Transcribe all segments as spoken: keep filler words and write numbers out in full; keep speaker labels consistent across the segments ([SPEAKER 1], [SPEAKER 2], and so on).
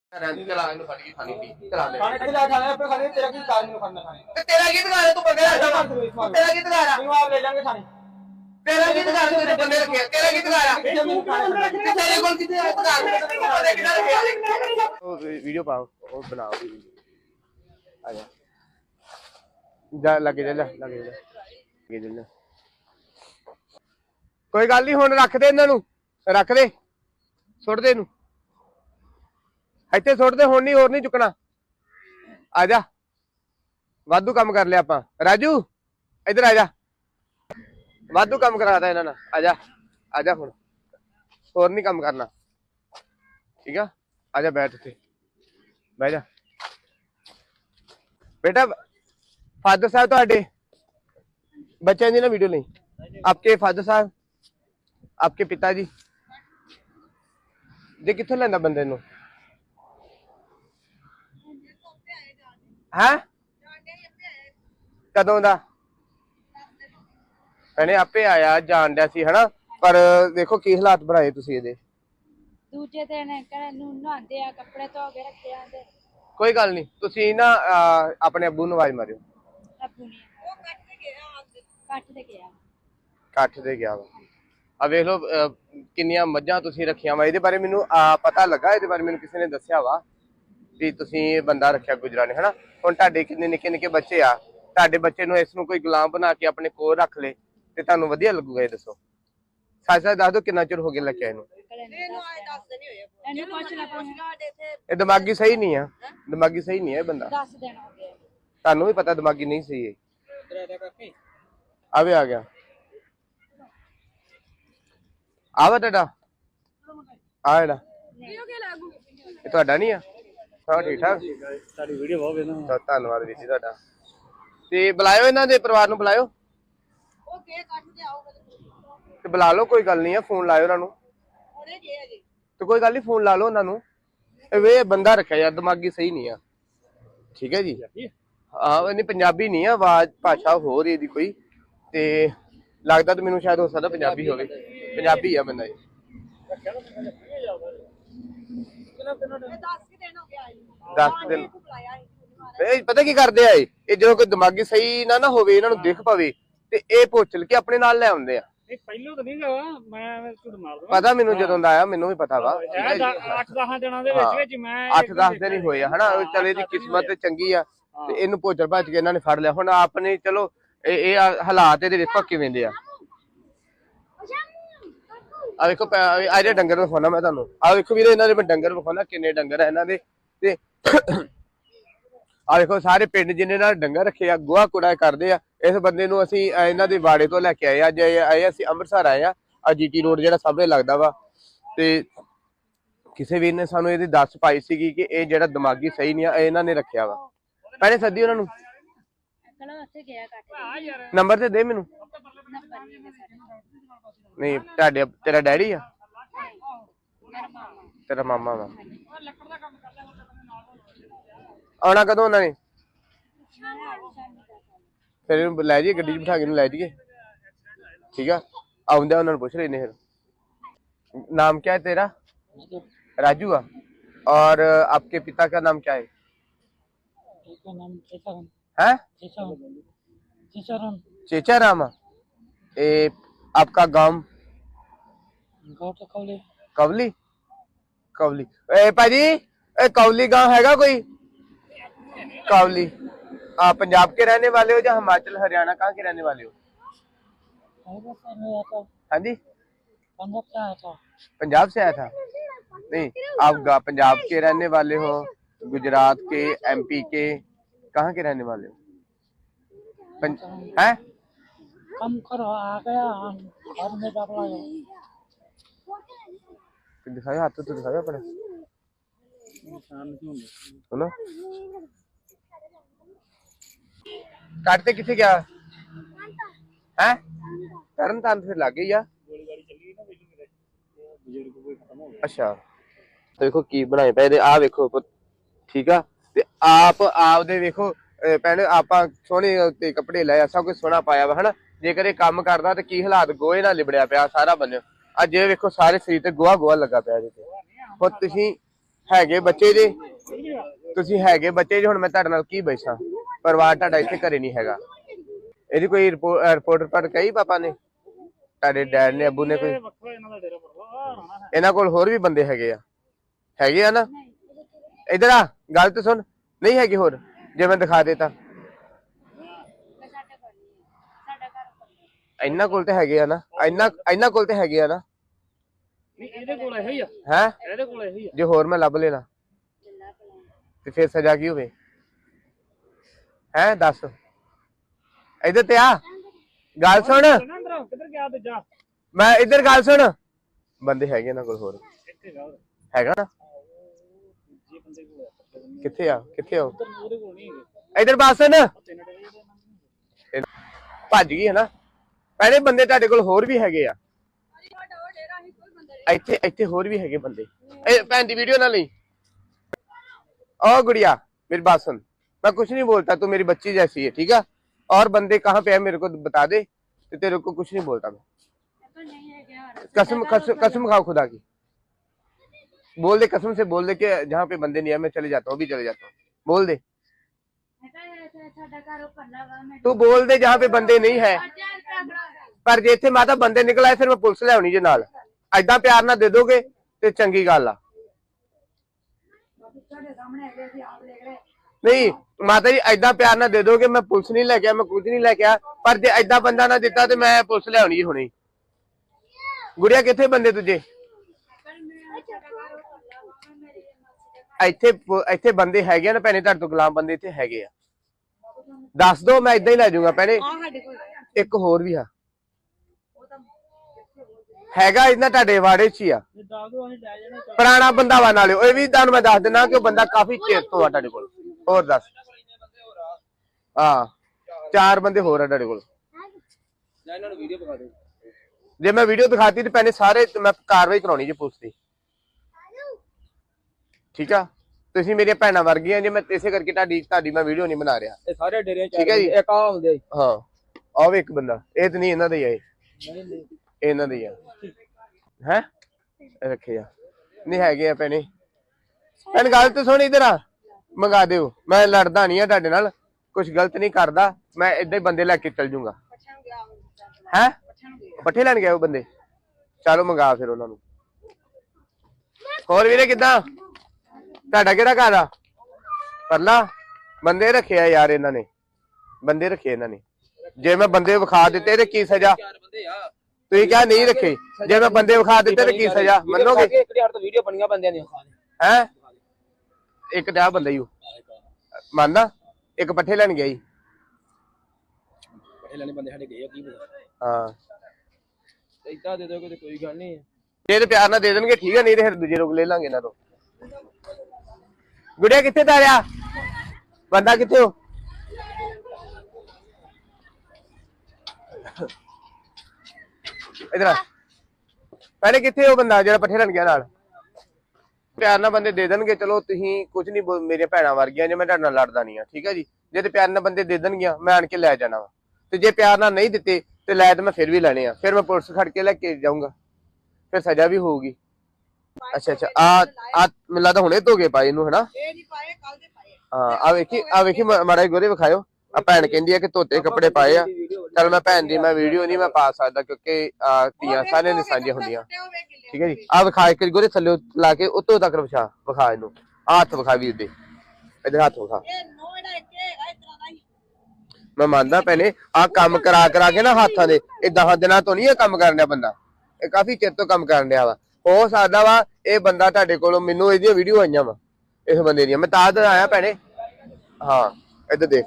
[SPEAKER 1] चला इन्हें फट के खानी थी चला ले
[SPEAKER 2] खाने के लिए खाने पे खाने तेरा की कार में खाना खाने
[SPEAKER 1] ते तेरा गीत गा रहा तू बंदे रहा तेरा गीत गा रहा
[SPEAKER 2] क्यों आप ले जाएंगे खाने
[SPEAKER 1] तेरा गीत गा रहा तेरे बंदे रखे तेरा गीत गा रहा तेरे कोल कितने गीत गा रहा किधर रखे ओ वीडियो पाओ और बनाओ आ जा जा लगे जा लगे जा लगे जा कोई गल नहीं हुण रख दे इन्हां नूं रख दे सुट दे इनू ਇੱਥੇ ਸੁੱਟ ਦੇ ਹੁਣ ਨਹੀਂ ਹੋਰ ਨਹੀਂ ਚੁੱਕਣਾ ਆ ਜਾ ਵਾਧੂ ਕੰਮ ਕਰ ਲਿਆ ਆਪਾਂ ਰਾਜੂ ਇੱਧਰ ਆ ਜਾ ਵਾਧੂ ਕੰਮ ਕਰਾਤਾ ਇਹਨਾਂ ਨਾਲ ਆ ਜਾ ਆ ਜਾ ਹੁਣ ਹੋਰ ਨਹੀਂ ਕੰਮ ਕਰਨਾ ਠੀਕ ਆ ਆ ਜਾ ਬੈਠ ਇੱਥੇ ਬਹਿ ਜਾ ਬੇਟਾ ਫਾਦਰ ਸਾਹਿਬ ਤੁਹਾਡੇ ਬੱਚਿਆਂ ਦੀ ਨਾ ਵੀਡੀਓ ਲਈ ਆਪਕੇ ਫਾਦਰ ਸਾਹਿਬ ਆਪਕੇ ਪਿਤਾ ਜੀ ਜੇ ਕਿੱਥੋਂ ਲੈਂਦਾ ਬੰਦੇ ਨੂੰ ਹੈ ਕਦੋਂ ਦਾ ਭੈਣੇ ਆਪੇ ਆਇਆ ਜਾਣ ਡਿਆ ਸੀ ਹਨਾ ਪਰ ਦੇਖੋ ਕੀ ਹਾਲਾਤ ਬਣਾਏ ਤੁਸੀਂ ਇਹਦੇ
[SPEAKER 3] ਦੂਜੇ ਦਿਨ ਘਰ ਨੂੰ ਨਹਾਉਂਦੇ ਆ ਕੱਪੜੇ ਧੋ ਕੇ ਰੱਖੇ ਆਂਦੇ
[SPEAKER 1] ਕੋਈ ਗੱਲ ਨਹੀਂ ਤੁਸੀਂ ਨਾ ਆਪਣੇ ਅੱਬੂ ਨੂੰ ਆਵਾਜ਼ ਮਾਰਿਓ
[SPEAKER 3] ਅੱਬੂ ਨੇ ਉਹ ਕੱਟ ਤੇ ਗਿਆ ਕੱਟ ਤੇ ਗਿਆ
[SPEAKER 1] ਕੱਟ ਤੇ ਗਿਆ ਵਾ ਆ ਵੇਖ ਲਓ ਕਿੰਨੀਆਂ ਮੱਝਾਂ ਤੁਸੀਂ ਰੱਖੀਆਂ ਵਾ ਇਹਦੇ ਬਾਰੇ ਮੈਨੂੰ ਪਤਾ ਲੱਗਾ ਇਹਦੇ ਬਾਰੇ ਮੈਨੂੰ ਕਿਸੇ ਨੇ ਦੱਸਿਆ ਵਾ ਵੀ ਤੁਸੀਂ ਇਹ ਬੰਦਾ ਰੱਖਿਆ ਗੁਜਰਾਂ ਨੇ ਹਨਾ ਹੁਣ ਤੁਹਾਡੇ ਕਿੰਨੇ ਨਿੱਕੇ ਨਿੱਕੇ ਬੱਚੇ ਆ ਤੁਹਾਡੇ ਬੱਚੇ ਨੂੰ ਇਸ ਨੂੰ ਕੋਈ ਗੁਲਾਮ ਬਣਾ ਕੇ ਆਪਣੇ ਕੋਲ ਰੱਖ ਲੇ ਤੇ ਤੁਹਾਨੂੰ ਵਧੀਆ ਲੱਗੂਗਾ ਇਹ ਦੱਸੋ ਸੱਚ ਸੱਚ ਦੱਸ ਦਿਓ ਕਿੰਨਾ ਚਿਰ ਹੋ ਗਿਆ ਲੱਗਿਆ ਇਹਨੂੰ ਇਹ ਦਿਮਾਗੀ ਸਹੀ ਨਹੀਂ ਆ ਦਿਮਾਗੀ ਸਹੀ ਨਹੀਂ ਹੈ ਇਹ ਬੰਦਾ
[SPEAKER 3] ਦਸ ਦਿਨ ਹੋ ਗਏ
[SPEAKER 1] ਤੁਹਾਨੂੰ ਵੀ ਪਤਾ ਦਿਮਾਗੀ ਨਹੀਂ ਸਹੀ ਹੈ ਆਵੇ ਆ ਗਿਆ ਆਵਾ ਤੁਹਾਡਾ ਆ ਜਿਹੜਾ ਇਹ ਤੁਹਾਡਾ ਨਹੀਂ ਆ ਹਾਂ ਠੀਕ ਠਾਕ
[SPEAKER 2] ਸਾਡੀ ਵੀਡੀਓ ਬਹੁਤ ਵੇਖਣਾ
[SPEAKER 1] ਧੰਨਵਾਦ ਵੀਰ ਜੀ ਤੁਹਾਡਾ ਤੇ ਬੁਲਾਇਓ ਇਹਨਾਂ ਦੇ ਪਰਿਵਾਰ ਨੂੰ ਬੁਲਾਇਓ
[SPEAKER 3] ਉਹ ਕੇ ਕੱਟ ਤੇ ਆਉਗਾ
[SPEAKER 1] ਤੇ ਬੁਲਾ ਲਓ ਕੋਈ ਗੱਲ ਨਹੀਂ ਆ ਫੋਨ ਲਾਇਓ ਉਹਨਾਂ ਨੂੰ
[SPEAKER 3] ਉਹਨੇ ਜੇ ਅਜੇ
[SPEAKER 1] ਤੇ ਕੋਈ ਗੱਲ ਨਹੀਂ ਫੋਨ ਲਾ ਲਓ ਉਹਨਾਂ ਨੂੰ ਇਹ ਵੇ ਬੰਦਾ ਰੱਖਿਆ ਯਾਰ ਦਿਮਾਗੀ ਸਹੀ ਨਹੀਂ ਆ ਠੀਕ ਹੈ ਜੀ ਹਾਂ ਇਹਨੇ ਪੰਜਾਬੀ ਨਹੀਂ ਆ ਆਵਾਜ਼ ਭਾਸ਼ਾ ਹੋਰ ਇਹਦੀ ਕੋਈ ਤੇ ਲੱਗਦਾ ਤਾਂ ਮੈਨੂੰ ਸ਼ਾਇਦ ਹੋ ਸਕਦਾ ਪੰਜਾਬੀ ਹੋਵੇ ਪੰਜਾਬੀ ਆ ਬੰਦਾ ਇਹ ਦਸ ਦਿਨ ਇਹ ਪਤਾ ਕੀ ਕਰਦੇ ਆ ਇਹ ਜਦੋਂ ਕੋਈ ਦਿਮਾਗੀ ਸਹੀ ਨਾ ਨਾ ਹੋਵੇ ਇਹਨਾਂ ਨੂੰ ਦਿਖ ਪਵੇ ਤੇ ਇਹ ਪੁੱਛਲ ਕੇ ਆਪਣੇ ਨਾਲ ਲੈ ਆਉਂਦੇ ਆ
[SPEAKER 2] ਇਹ ਪਹਿਲੋਂ ਤਾਂ ਨਹੀਂ ਗਾ ਮੈਂ ਝੂਠ ਮਾਰਦਾ
[SPEAKER 1] ਪਤਾ ਮੈਨੂੰ ਜਦੋਂ ਦਾ ਆਇਆ ਮੈਨੂੰ ਵੀ ਪਤਾ ਵਾ
[SPEAKER 2] ਅੱਠ ਦਸ ਦਿਨਾਂ ਦੇ ਵਿੱਚ ਵਿੱਚ ਮੈਂ
[SPEAKER 1] ਅੱਠ ਦਸ ਦਿਨ ਹੀ ਹੋਏ ਆ ਹਨਾ ਚਲੇ ਦੀ ਕਿਸਮਤ ਤੇ ਚੰਗੀ ਆ ਤੇ ਇਹਨੂੰ ਪੁੱਛਲ ਭੱਜ ਕੇ ਇਹਨਾਂ ਨੇ ਫੜ ਲਿਆ ਹੁਣ ਆਪਣੇ ਚਲੋ ਇਹ ਇਹ ਹਾਲਾਤ ਇਹਦੇ ਵੇਖੋ ਕਿਵੇਂ ਦੇ ਆ ਆ ਵੇਖੋ ਆ ਜਿਹੜੇ ਡੰਗਰ ਵਿਖਾਉਣਾ ਮੈਂ ਤੁਹਾਨੂੰ ਆ ਵੇਖੋ ਵੀਰੇ ਇਹਨਾਂ ਦੇ ਮੈਂ ਡੰਗਰ ਵਿਖਾਉਣਾ ਕਿੰਨੇ ਡੰਗਰ ਆ ਇਹਨਾਂ ਦੇ ਤੇ ਆ ਵੇਖੋ ਸਾਰੇ ਪਿੰਡ ਜਿੰਨੇ ਨਾਲ ਡੰਗਰ ਰੱਖੇ ਆ ਗੋਹਾ ਕੂੜਾ ਕਰਦੇ ਆ ਇਸ ਬੰਦੇ ਨੂੰ ਅਸੀਂ ਇਹਨਾਂ ਦੇ ਵਾੜੇ ਤੋਂ ਲੈ ਕੇ ਆਏ ਅੱਜ ਆਏ ਅਸੀਂ ਅੰਮ੍ਰਿਤਸਰ ਆਏ ਆ ਆ ਜੀਟੀ ਰੋਡ ਜਿਹੜਾ ਸਾਹਮਣੇ ਲੱਗਦਾ ਵਾ ਤੇ ਕਿਸੇ ਵੀਰ ਨੇ ਸਾਨੂੰ ਇਹਦੀ ਦੱਸ ਪਾਈ ਸੀਗੀ ਕਿ ਇਹ ਜਿਹੜਾ ਦਿਮਾਗੀ ਸਹੀ ਨਹੀਂ ਆ ਇਹਨਾਂ ਨੇ ਰੱਖਿਆ ਵਾ ਪਹਿਲੇ ਸੱਦੀ ਉਹਨਾਂ ਨੂੰ ਨੰਬਰ ਤੇ ਦੇ ਮੈਨੂੰ ਨਹੀਂ ਤੁਹਾਡੇ ਤੇਰਾ ਡੈਡੀ ਆ ਤੇਰਾ ਮਾਮਾ ਵਾ ਆਉਣਾ ਕਦੋਂ ਉਹਨਾਂ ਨੇ ਫਿਰ ਇਹਨੂੰ ਲੈ ਜਾਈਏ ਗੱਡੀ 'ਚ ਬਿਠਾ ਕੇ ਇਹਨੂੰ ਲੈ ਜਾਈਏ ਠੀਕ ਆ ਆਉਂਦੇ ਉਹਨਾਂ ਨੂੰ ਪੁੱਛ ਲੈਨੇ फिर नाम क्या है तेरा राजू आ और आपके पिता का नाम क्या है हैं चेचा रामा ए आपका गांव कवली कवली ए भाजी ए कवली गांव हैगा कोई कवली आप पंजाब के रहने वाले हो या हिमाचल हरियाणा कहाँ के रहने वाले हो हाँ जी पंजाब से आया था नहीं आप पंजाब के रहने वाले हो गुजरात के एमपी के कहाँ के रहने वाले हो हैं
[SPEAKER 2] कम करो आ गया घर में डबला
[SPEAKER 1] दिखाओ हाथ तो दिखाओ अपने सुनो काटते किथे गया है तरन तान फिर लग गई आ अच्छा तो देखो की बनाए पे आ देखो ठीक है ते आप आप दे देखो ਭੈਣ ਆਪਾਂ ਸੋਹਣੇ ਤੇ ਕੱਪੜੇ ਲਏ ਸਭ ਕੁਝ ਸੋਹਣਾ ਪਾਇਆ ਵਾ ਹਨਾ ਜੇਕਰ ਇਹ ਕੰਮ ਕਰਦਾ ਤੇ ਕੀ ਹਾਲਾਤ ਗੋਹੇ ਨਾਲ ਲਿਬੜਿਆ ਪਿਆ ਸਾਰਾ ਬੰਨਿਓ ਅੱਜ ਇਹ ਵੇਖੋ ਸਾਰੇ ਸਰੀਰ ਤੇ ਗੋਹਾ ਗੋਹਾ ਲੱਗਾ ਪਿਆ ਇਹਦੇ ਤੇ ਹੁਣ ਤੁਸੀਂ ਹੈਗੇ ਬੱਚੇ ਜੇ ਤੁਸੀਂ ਹੈਗੇ ਬੱਚੇ ਜੇ ਹੁਣ ਮੈਂ ਤੁਹਾਡੇ ਨਾਲ ਕੀ ਬੈਠਾਂ ਪਰਿਵਾਰ ਤੁਹਾਡਾ ਇੱਥੇ ਘਰੇ ਨਹੀਂ ਹੈਗਾ ਇਹਦੀ ਕੋਈ ਰਿਪੋਰਟ ਪਰ ਕਹੀ ਪਾਪਾ ਨੇ ਤੁਹਾਡੇ ਡੈਡ ਨੇ ਅੱਬੂ ਨੇ ਕੋਈ ਇਹਨਾਂ ਕੋਲ ਹੋਰ ਵੀ ਬੰਦੇ ਹੈਗੇ ਆ ਹੈਗੇ ਆ ਨਾ ਇਧਰ ਆ ਗੱਲ ਤਾਂ ਸੁਣ ਨਹੀਂ ਹੈਗੇ ਹੋਰ ਜੇ ਮੈਂ ਦਿਖਾ ਦੇਤਾ ਇਹਨਾਂ ਕੋਲ ਤੇ ਹੈਗੇ ਆ ਨਾ ਇਹਨਾਂ ਇਹਨਾਂ ਕੋਲ ਤੇ ਹੈਗੇ ਆ ਨਾ
[SPEAKER 2] ਇਹਦੇ ਕੋਲ ਇਹੋ ਹੀ ਆ
[SPEAKER 1] ਹੈ
[SPEAKER 2] ਇਹਦੇ ਕੋਲ ਇਹੋ ਹੀ ਆ
[SPEAKER 1] ਜੇ ਹੋਰ ਮੈਂ ਲੱਭ ਲੈਣਾ ਤੇ ਫਿਰ ਸਜ਼ਾ ਕੀ ਹੋਵੇ ਹੈ ਦੱਸ ਇਧਰ ਤੇ ਆ ਗੱਲ ਸੁਣ
[SPEAKER 2] ਕਿੱਧਰ ਗਿਆ ਦੂਜਾ
[SPEAKER 1] ਮੈਂ ਇੱਧਰ ਗੱਲ ਸੁਣ ਬੰਦੇ ਹੈਗੇ ਇਹਨਾਂ ਕੋਲ ਹੋਰ ਹੈਗਾ ਨਾ ਕਿੱਥੇ ਆ ਕਿੱਥੇ ਆ ਇੱਧਰ ਬਾਸਨ ਭੱਜ ਗਈ ਹੈ ਨਾ ਪਹਿਲੇ ਬੰਦੇ ਤੁਹਾਡੇ ਕੋਲ ਹੋਰ ਵੀ ਹੈਗੇ ਆ ਇੱਥੇ ਇੱਥੇ ਹੋਰ ਵੀ ਹੈਗੇ ਬੰਦੇ ਇਹ ਭੈਣ ਦੀ ਵੀਡੀਓ ਨਾ ਲਈ ओ गुड़िया मेरी बात सुन मैं कुछ नहीं बोलता तू मेरी बच्ची जैसी है ठीक है और बंदे कहाँ पे है मेरे को बता दे तो तेरे को कुछ नहीं बोलता मैं कसम कसम कसम खाओ खुदा की बोल दे कसम से बोल दे कि जहाँ पे बंदे नहीं है मैं चले जाता हूँ अभी चले जाता हूँ बोल दे तू बोल दे जहाँ पे बंदे नहीं है पर जे इत्थे माता बंदे निकल आए फिर मैं पुलिस ले आनी जे नाल ऐदा प्यार ना दे दोगे तो चंगी गल आ नहीं माता जी ऐदा प्यार ना दे दोगे मैं पुलिस नहीं लेके मैं कुछ नहीं लेके आ पर जे ऐदा बंदा ना दिता तो मैं पुलिस ले आनी हुणी गुड़िया किथे बंदे तुझे ਇੱਥੇ ਇੱਥੇ ਬੰਦੇ ਹੈਗੇ ਆ ਨਾ ਭੈਣੇ ਤੁਹਾਡੇ ਤੋਂ ਗੁਲਾਮ ਬੰਦੇ ਇੱਥੇ ਹੈਗੇ ਆ ਦੱਸ ਦੋ ਮੈਂ ਇਦਾਂ ਹੀ ਲੈ ਜਾਊਂਗਾ ਭੈਣੇ ਇੱਕ ਹੋਰ ਵੀ ਆ ਹੈਗਾ ਇਹਨਾਂ ਤੁਹਾਡੇ ਵਾੜੇ 'ਚ ਹੀ ਆ ਪੁਰਾਣਾ ਬੰਦਾ ਵਾ ਨਾਲੇ ਇਹ ਵੀ ਤੁਹਾਨੂੰ ਮੈਂ ਦੱਸ ਦਿੰਦਾ ਕਿ ਉਹ ਬੰਦਾ ਕਾਫੀ ਚਿਰ ਤੋਂ ਆ ਤੁਹਾਡੇ ਕੋਲ ਹੋਰ ਦੱਸ ਹਾਂ ਚਾਰ ਬੰਦੇ ਹੋਰ ਆ ਤੁਹਾਡੇ ਕੋਲ
[SPEAKER 2] ਇਹਨਾਂ ਨੂੰ ਵੀਡੀਓ ਦਿਖਾ ਦਿਓ
[SPEAKER 1] ਜੇ ਮੈਂ ਵੀਡੀਓ ਦਿਖਾਤੀ ਤੇ ਭੈਣੇ ਸਾਰੇ ਮੈਂ ਕਾਰਵਾਈ ਕਰਾਉਣੀ ਜੇ ਪੁਲਿਸ ਦੀ ठीक है ਤੁਸੀਂ ਮੇਰੀਆਂ ਭੈਣਾਂ ਵਰਗੀਆਂ ਜੇ ਮੈਂ ਇਸੇ ਕਰਕੇ ਤੁਹਾਡੀ ਤੁਹਾਡੀ ਮੈਂ ਵੀਡੀਓ ਨਹੀਂ ਬਣਾ ਰਿਹਾ
[SPEAKER 2] ਇਹ ਸਾਰੇ ਡੇਰੇ ਚ
[SPEAKER 1] ਠੀਕ ਹੈ ਜੀ
[SPEAKER 2] ਇੱਕ ਆ ਹੁੰਦੇ
[SPEAKER 1] ਹਾਂ ਆਹ ਇੱਕ ਬੰਦਾ ਇਹ ਤੇ ਨਹੀਂ ਇਹਨਾਂ ਦਾ ਹੀ ਆ ਇਹ
[SPEAKER 2] ਨਹੀਂ
[SPEAKER 1] ਇਹਨਾਂ ਦਾ ਹੀ ਆ ਹੈ ਰੱਖੇ ਆ ਨਹੀਂ ਹੈਗੇ ਆ ਭੈਣੇ ਭੈਣ ਗੱਲ ਤੇ ਸੁਣ ਇਧਰ ਆ ਮੰਗਾ ਦਿਓ ਮੈਂ ਲੜਦਾ ਨਹੀਂ ਆ ਤੁਹਾਡੇ ਨਾਲ ਕੁਝ ਗਲਤ ਨਹੀਂ ਕਰਦਾ ਮੈਂ ਏਦਾਂ ਹੀ ਬੰਦੇ ਲੈ ਕੇ ਚੱਲ ਜੂੰਗਾ ਹੈ ਪੱਠੇ ਲੈਣ ਗਏ ਉਹ ਬੰਦੇ ਚਲੋ ਮੰਗਾ ਫਿਰ ਉਹਨਾਂ ਨੂੰ ਹੋਰ ਵੀਰੇ ਕਿੱਦਾਂ ਤੁਹਾਡਾ ਕਿਹੜਾ ਘਰ ਆ ਪਰਲਾ ਬੰਦੇ ਰੱਖੇ ਆ ਯਾਰ ਇਹਨਾਂ ਨੇ ਬੰਦੇ ਰੱਖੇ ਇਹਨਾਂ ਨੇ ਜੇ ਮੈਂ ਬੰਦੇ ਵਿਖਾ ਦਿੱਤੇ ਤੇ ਕੀ ਸਜ਼ਾ ਤੁਸੀਂ ਕਿਹਾ ਨਹੀਂ ਰੱਖੇ ਜੇ ਮੈਂ ਬੰਦੇ ਵਿਖਾ ਦਿੱਤੇ ਤੇ ਕੀ ਸਜ਼ਾ ਮੰਨੋਗੇ
[SPEAKER 2] ਇੱਕ ਹਜ਼ਾਰ ਤੋਂ ਵੀਡੀਓ ਬਣੀਆਂ ਬੰਦਿਆਂ ਦੀਆਂ
[SPEAKER 1] ਹੈ ਇੱਕ ਤਾਂ ਬੰਦਾ ਹੀ ਉਹ ਮੰਨਦਾ ਇੱਕ ਪੱਠੇ ਲੈਣ ਗਿਆ ਜੀ
[SPEAKER 2] ਪੱਠੇ ਲੈਣੇ ਬੰਦੇ ਸਾਡੇ ਗਏ ਆ ਕੀ ਪਤਾ
[SPEAKER 1] ਹਾਂ
[SPEAKER 2] ਇਦਾਂ ਦੇ ਦੋਗੇ ਤੇ ਕੋਈ ਗੱਲ ਨਹੀਂ
[SPEAKER 1] ਜੇ ਤੇ ਪਿਆਰ ਨਾਲ ਦੇ ਦੇਣਗੇ ਠੀਕ ਹੈ ਨਹੀਂ ਤੇ ਫਿਰ ਦੂਜੇ ਰੋਕ ਲੈ ਲਾਂਗੇ ਇਹਨਾਂ ਤੋਂ ਗੁੜਿਆ ਕਿੱਥੇ ਤਾਰਿਆ ਬੰਦਾ ਕਿੱਥੇ ਹੋ ਇਧਰ ਆ ਪਹਿਲੇ ਕਿੱਥੇ ਹੋ ਬੰਦਾ ਜਿਹੜਾ ਪੱਠੇ ਲੈਣ ਗਿਆ ਨਾਲ ਪਿਆਰ ਨਾਲ ਬੰਦੇ ਦੇ ਦੇਣਗੇ ਚਲੋ ਤੁਸੀਂ ਕੁਝ ਨਹੀਂ ਮੇਰੇ ਭੈਣਾਂ ਵਰਗੀਆਂ ਜੇ ਮੈਂ ਤੁਹਾਡੇ ਨਾਲ ਲੜਦਾ ਨਹੀਂ ਆ ਠੀਕ ਹੈ ਜੀ ਜੇ ਤੇ ਪਿਆਰ ਨਾਲ ਬੰਦੇ ਦੇ ਦੇਣਗੀਆਂ ਮੈਂ ਆਣ ਕੇ ਲੈ ਜਾਣਾ ਵਾ ਤੇ ਜੇ ਪਿਆਰ ਨਾਲ ਨਹੀਂ ਦਿੱਤੇ ਤੇ ਲੈ ਤੇ ਮੈਂ ਫਿਰ ਵੀ ਲੈਣੇ ਆ ਫਿਰ ਮੈਂ ਪੁਲਿਸ ਖੜ ਕੇ ਲੈ ਕੇ ਜਾਊਂਗਾ ਫਿਰ ਸਜ਼ਾ ਵੀ ਹੋਊਗੀ ਅੱਛਾ ਅੱਛਾ ਆ ਆ ਮੈਨੂੰ ਲੱਗਦਾ ਹੁਣੇ ਧੋਗੇ ਪਾਏ ਇਹਨੂੰ ਹਨਾ
[SPEAKER 4] ਇਹ ਨਹੀਂ ਪਾਏ ਕੱਲ ਦੇ ਪਾਏ
[SPEAKER 1] ਹਾਂ ਆ ਵੇਖੀ ਆ ਵੇਖੀ ਮਾੜਾ ਗੋਰੇ ਵਿਖਾਇਓ ਆ ਭੈਣ ਕਹਿੰਦੀ ਆ ਕਿ ਧੋਤੇ ਕੱਪੜੇ ਪਾਏ ਆ ਚਲ ਮੈਂ ਭੈਣ ਦੀ ਮੈਂ ਵੀਡੀਓ ਨਹੀਂ ਮੈਂ ਪਾ ਸਕਦਾ ਕਿਉਂਕਿ ਧੀਆਂ ਸਾਰਿਆਂ ਨੇ ਸਾਂਝੀਆਂ ਹੁੰਦੀਆਂ ਠੀਕ ਹੈ ਜੀ ਆ ਵਿਖਾ ਇੱਕ ਗੋਰੇ ਥੱਲੇ ਲਾ ਕੇ ਉੱਤੋਂ ਤੱਕ ਵਿਖਾ ਵਿਖਾ ਇਹਨੂੰ ਆ ਹੱਥ ਵਿਖਾ ਵੀਰ ਦੇ ਇਧਰ ਹੱਥ ਵਿਖਾ
[SPEAKER 4] ਇਹ ਨੋ ਇਹਦਾ ਇੱਕ ਹੈਗਾ ਇਸ ਤਰ੍ਹਾਂ ਦਾ ਹੀ
[SPEAKER 1] ਮੈਂ ਮੰਨਦਾ ਭੈਣੇ ਆ ਕੰਮ ਕਰਾ ਕਰਾ ਕੇ ਨਾ ਹੱਥਾਂ ਦੇ ਇਹ ਦਸਾਂ ਦਿਨਾਂ ਤੋਂ ਨਹੀਂ ਇਹ ਕੰਮ ਕਰਨ ਡਿਆ ਬੰਦਾ ਇਹ ਕਾਫੀ ਚਿਰ ਤੋਂ ਕੰਮ ਕਰਨ ਡਿਆ ਵਾ ਹੋ ਸਕਦਾ ਵਾ ਇਹ ਬੰਦਾ ਤੁਹਾਡੇ ਕੋਲੋਂ ਮੈਨੂੰ ਇਹਦੀਆਂ ਵੀਡੀਓ ਆਈਆਂ ਵਾ ਇਸ ਬੰਦੇ ਦੀਆਂ ਮੈਂ ਤਾਂ ਤਾਂ ਆਇਆ ਭੈਣੇ ਹਾਂ ਇੱਧਰ ਦੇਖ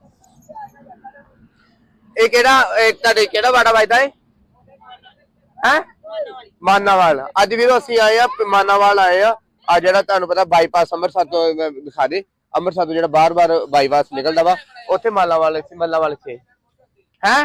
[SPEAKER 1] ਇਹ ਕਿਹੜਾ ਇਹ ਤੁਹਾਡੇ ਕਿਹੜਾ ਵਾੜਾ ਵੱਜਦਾ ਹੈ ਹੈ ਮਾਨਾਵਾਲ ਅੱਜ ਵੀਰੋ ਅਸੀਂ ਆਏ ਆ ਮਾਨਾਵਾਲ ਆਏ ਆ ਆ ਜਿਹੜਾ ਤੁਹਾਨੂੰ ਪਤਾ ਬਾਈਪਾਸ ਅੰਮ੍ਰਿਤਸਰ ਤੋਂ ਦਿਖਾ ਦੇ ਅੰਮ੍ਰਿਤਸਰ ਤੋਂ ਜਿਹੜਾ ਬਾਰ ਬਾਰ ਬਾਈਪਾਸ ਨਿਕਲਦਾ ਵਾ ਉੱਥੇ ਮਾਲਾਵਾਲ ਇੱਥੇ ਮਾਲਾਵਾਲ ਇੱਥੇ ਹੈ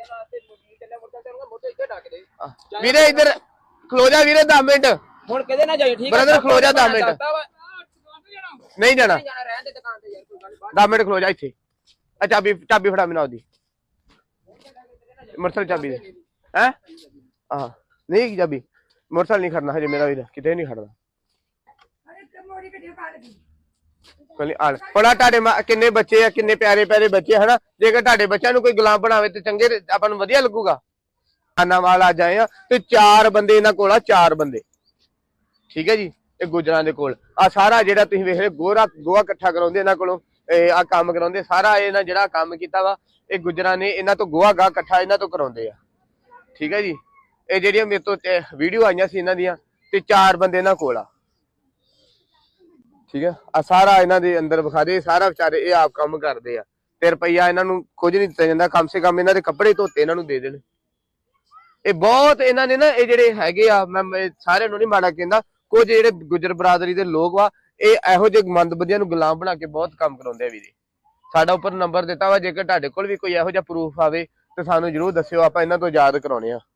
[SPEAKER 1] ਵੀਰੇ ਇੱਧਰ ਖਲੋ ਜਾ ਵੀਰੇ ਦਸ ਮਿੰਟ
[SPEAKER 2] ਹੁਣ ਕਿਹਦੇ ਨਾਲ ਜਾਈ ਠੀਕ ਹੈ
[SPEAKER 1] ਬ੍ਰਦਰ ਖਲੋ ਜਾ ਦਸ ਮਿੰਟ ਨਹੀਂ ਜਾਣਾ
[SPEAKER 2] ਰਹਿਣ ਦੇ ਦੁਕਾਨ ਤੇ ਯਾਰ ਕੋਈ ਗੱਲ
[SPEAKER 1] ਦਸ ਮਿੰਟ ਖਲੋ ਜਾ ਇੱਥੇ ਆ ਚਾਬੀ ਚਾਬੀ ਫੜਾ ਮੈਨੂੰ ਉਹਦੀ ਮੋਟਰਸਾਈਕਲ ਚਾਬੀ ਦੇ ਹੈ ਆਹ ਨਹੀਂ ਚਾਬੀ ਮੋਟਰਸਾਈਕਲ ਨਹੀਂ ਖੜਨਾ ਹਜੇ ਮੇਰਾ ਵੀਰ ਕਿਤੇ ਨਹੀਂ ਖੜਨਾ ਕੋਈ ਆਲ ਹੁਣ ਆਹ ਤੁਹਾਡੇ ਮਾਂ- ਕਿੰਨੇ ਬੱਚੇ ਆ, ਕਿੰਨੇ ਪਿਆਰੇ ਪਿਆਰੇ ਬੱਚੇ ਹਨਾ। ਜੇਕਰ ਤੁਹਾਡੇ ਬੱਚਿਆਂ ਨੂੰ ਕੋਈ ਗੁਲਾਮ ਬਣਾਵੇ ਤੇ ਚੰਗੇ ਤੇ ਆਪਾਂ ਨੂੰ ਵਧੀਆ ਲੱਗੂਗਾ। ਆਨਾ ਵਾਲ ਅੱਜ ਆਏ ਆ ਤੇ ਚਾਰ ਬੰਦੇ ਇਹਨਾਂ ਕੋਲ ਆ, ਚਾਰ ਬੰਦੇ ਠੀਕ ਹੈ ਜੀ। ਇਹ ਗੁਜਰਾਂ ਦੇ ਕੋਲ ਆ ਸਾਰਾ ਜਿਹੜਾ ਤੁਸੀਂ ਵੇਖ ਰਹੇ ਗੋਰਾ ਗੋਹਾ ਇਕੱਠਾ ਕਰਾਉਂਦੇ ਇਹਨਾਂ ਕੋਲੋਂ, ਇਹ ਆ ਕੰਮ ਕਰਾਉਂਦੇ ਸਾਰਾ। ਇਹਨਾਂ ਜਿਹੜਾ ਕੰਮ ਕੀਤਾ ਵਾ ਇਹ ਗੁਜਰਾਂ ਨੇ ਇਹਨਾਂ ਤੋਂ ਗੋਹਾ ਗਾਹ ਇਕੱਠਾ ਇਹਨਾਂ ਤੋਂ ਕਰਾਉਂਦੇ ਆ ਠੀਕ ਹੈ ਜੀ। ਇਹ ਜਿਹੜੀਆਂ ਮੇਰੇ ਤੋਂ ਵੀਡੀਓ ਆਈਆਂ ਸੀ ਇਹਨਾਂ ਦੀਆਂ ਤੇ ਚਾਰ ਬੰਦੇ ਇਹਨਾਂ ਕੋਲ ਆ ਠੀਕ ਹੈ। ਆ ਸਾਰਾ ਇਹਨਾਂ ਦੇ ਅੰਦਰ ਵਿਖਾ ਦੇ ਸਾਰਾ ਵਿਚਾਰੇ ਇਹ ਆਪ ਕੰਮ ਕਰਦੇ ਆ ਤੇ ਰੁਪਈਆ ਇਹਨਾਂ ਨੂੰ ਕੁਝ ਨਹੀਂ ਦਿੱਤਾ ਜਾਂਦਾ। ਕਮ ਸੇ ਕਮ ਇਹਨਾਂ ਦੇ ਕੱਪੜੇ ਧੋਤੇ ਇਹਨਾਂ ਨੂੰ ਦੇ ਦੇਣ। ਇਹ ਬਹੁਤ ਇਹਨਾਂ ਨੇ ਨਾ ਇਹ ਜਿਹੜੇ ਹੈਗੇ ਆ, ਮੈਂ ਸਾਰਿਆਂ ਨੂੰ ਨਹੀਂ ਮਾੜਾ ਕਹਿੰਦਾ, ਕੁਝ ਜਿਹੜੇ ਗੁਜਰ ਬਰਾਦਰੀ ਦੇ ਲੋਕ ਵਾ ਇਹ ਇਹੋ ਜਿਹੇ ਮੰਦਬੁੱਧੀਆਂ ਨੂੰ ਗੁਲਾਮ ਬਣਾ ਕੇ ਬਹੁਤ ਕੰਮ ਕਰਾਉਂਦੇ ਆ ਵੀਰੇ। ਸਾਡਾ ਉੱਪਰ ਨੰਬਰ ਦਿੱਤਾ ਵਾ, ਜੇਕਰ ਤੁਹਾਡੇ ਕੋਲ ਵੀ ਕੋਈ ਇਹੋ ਜਿਹਾ ਪ੍ਰੂਫ ਆਵੇ ਤੇ ਸਾਨੂੰ ਜਰੂਰ ਦੱਸਿਓ, ਆਪਾਂ ਇਹਨਾਂ ਤੋਂ ਯਾਦ ਕਰਾਉਣੇ ਆ।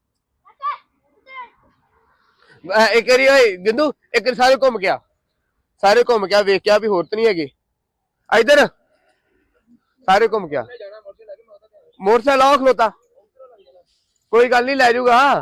[SPEAKER 1] ਇੱਕ ਵਾਰੀ ਓਏ ਗਿੰਦੂ ਇੱਕ ਵਾਰੀ ਸਾਰੇ ਘੁੰਮ ਗਿਆ, ਸਾਰੇ ਘੁੰਮ ਗਿਆ, ਵੇਖਿਆ ਵੀ ਹੋਰ ਤਾਂ ਨਹੀਂ ਹੈਗੇ ਇੱਧਰ, ਸਾਰੇ ਘੁੰਮ ਗਿਆ। ਮੋਟਰਸਾਈਕਲ ਆਓ ਖਲੋਤਾ, ਕੋਈ ਗੱਲ ਨਹੀਂ ਲੈ ਜਾਊਗਾ। ਹਾਂ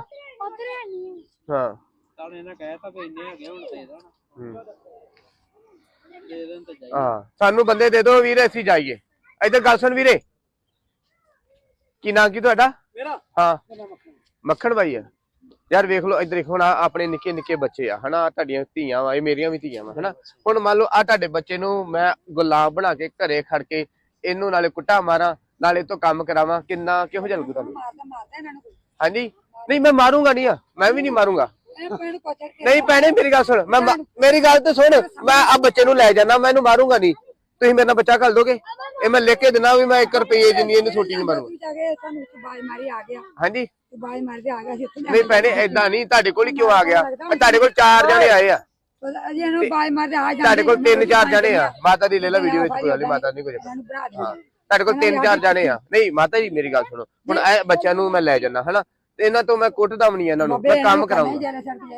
[SPEAKER 1] ਹਾਂ ਸਾਨੂੰ ਬੰਦੇ ਦੇ ਦਿਓ ਵੀਰੇ, ਅਸੀਂ ਜਾਈਏ। ਇੱਧਰ ਗੱਲ ਸੁਣ ਵੀਰੇ, ਕੀ ਨਾਂ ਕੀ ਤੁਹਾਡਾ? ਹਾਂ ਮੱਖਣ ਬਾਈ ਆ। ਯਾਰ ਵੇਖ ਲਓ ਇੱਧਰ ਹੁਣ ਆਪਣੇ ਨਿੱਕੇ ਨਿੱਕੇ ਬੱਚੇ ਆ ਹਨਾ, ਤੁਹਾਡੀਆਂ ਧੀਆਂ ਵਾ, ਇਹ ਮੇਰੀਆਂ ਵੀ ਧੀਆਂ ਵਾ ਹਨਾ। ਹੁਣ ਮੰਨ ਲਓ ਆ ਤੁਹਾਡੇ ਬੱਚੇ ਨੂੰ ਮੈਂ ਗੁਲਾਮ ਬਣਾ ਕੇ ਘਰੇ ਖੜ ਕੇ ਇਹਨੂੰ ਨਾਲੇ ਕੁੱਟਾ ਮਾਰਾਂ ਨਾਲੇ ਤੋਂ ਕੰਮ ਕਰਾਵਾਂ, ਕਿੰਨਾ ਕਿਹੋ ਜਿਹਾ ਲੱਗੂ ਤੁਹਾਨੂੰ? ਹਾਂਜੀ ਨਹੀਂ ਮੈਂ ਮਾਰੂੰਗਾ ਨਹੀਂ ਆ, ਮੈਂ ਵੀ ਨਹੀਂ ਮਾਰੂੰਗਾ। ਨਹੀਂ ਭੈਣੇ ਮੇਰੀ ਗੱਲ ਸੁਣ, ਮੈਂ ਮੇਰੀ ਗੱਲ ਤੇ ਸੁਣ, ਮੈਂ ਆ ਬੱਚੇ ਨੂੰ ਲੈ ਜਾਣਾ, ਮੈਂ ਇਹਨੂੰ ਮਾਰੂੰਗਾ ਨਹੀਂ। ਤੁਸੀਂ ਮੇਰੇ ਨਾਲ ਬੱਚਾ ਘੱਲ ਦੋਗੇ? ਇਹ ਮੈਂ ਲਿਖ ਕੇ ਦੇਣਾ ਵੀ ਮੈਂ ਇੱਕ ਰੁਪਏ ਜਿੰਨੀ ਇਹਨੂੰ ਛੋਟੀ ਨਹੀਂ ਮਾਰੂੰਗਾ। ਹਾਂਜੀ ਨਹੀਂ ਭੈਣੇ ਏਦਾਂ ਨਹੀਂ, ਤੁਹਾਡੇ ਕੋਲ ਹੀ ਕਿਉਂ ਆ ਗਿਆ? ਤੁਹਾਡੇ ਕੋਲ ਚਾਰ ਜਣੇ ਆਏ ਆ, ਤੁਹਾਡੇ ਕੋਲ ਤਿੰਨ ਚਾਰ ਜਣੇ ਆ। ਮਾਤਾ ਦੀ ਲੈ ਲਾ ਵੀਡੀਓ ਵਿੱਚ, ਕੋਈ ਗੱਲ ਨੀ, ਮਾਤਾ ਨਹੀਂ ਕੁਝ ਹਾਂ। ਤੁਹਾਡੇ ਕੋਲ ਤਿੰਨ ਚਾਰ ਜਣੇ ਆ। ਨਹੀਂ ਮਾਤਾ ਜੀ ਮੇਰੀ ਗੱਲ ਸੁਣੋ, ਹੁਣ ਇਹ ਬੱਚਿਆਂ ਨੂੰ ਮੈਂ ਲੈ ਜਾਣਾ ਹਨਾ, ਤੇ ਇਹਨਾਂ ਤੋਂ ਮੈਂ ਕੁੱਟਦਾ ਵੀ ਨਹੀਂ ਇਹਨਾਂ ਨੂੰ, ਮੈਂ ਕੰਮ ਕਰਾਉਂਗਾ।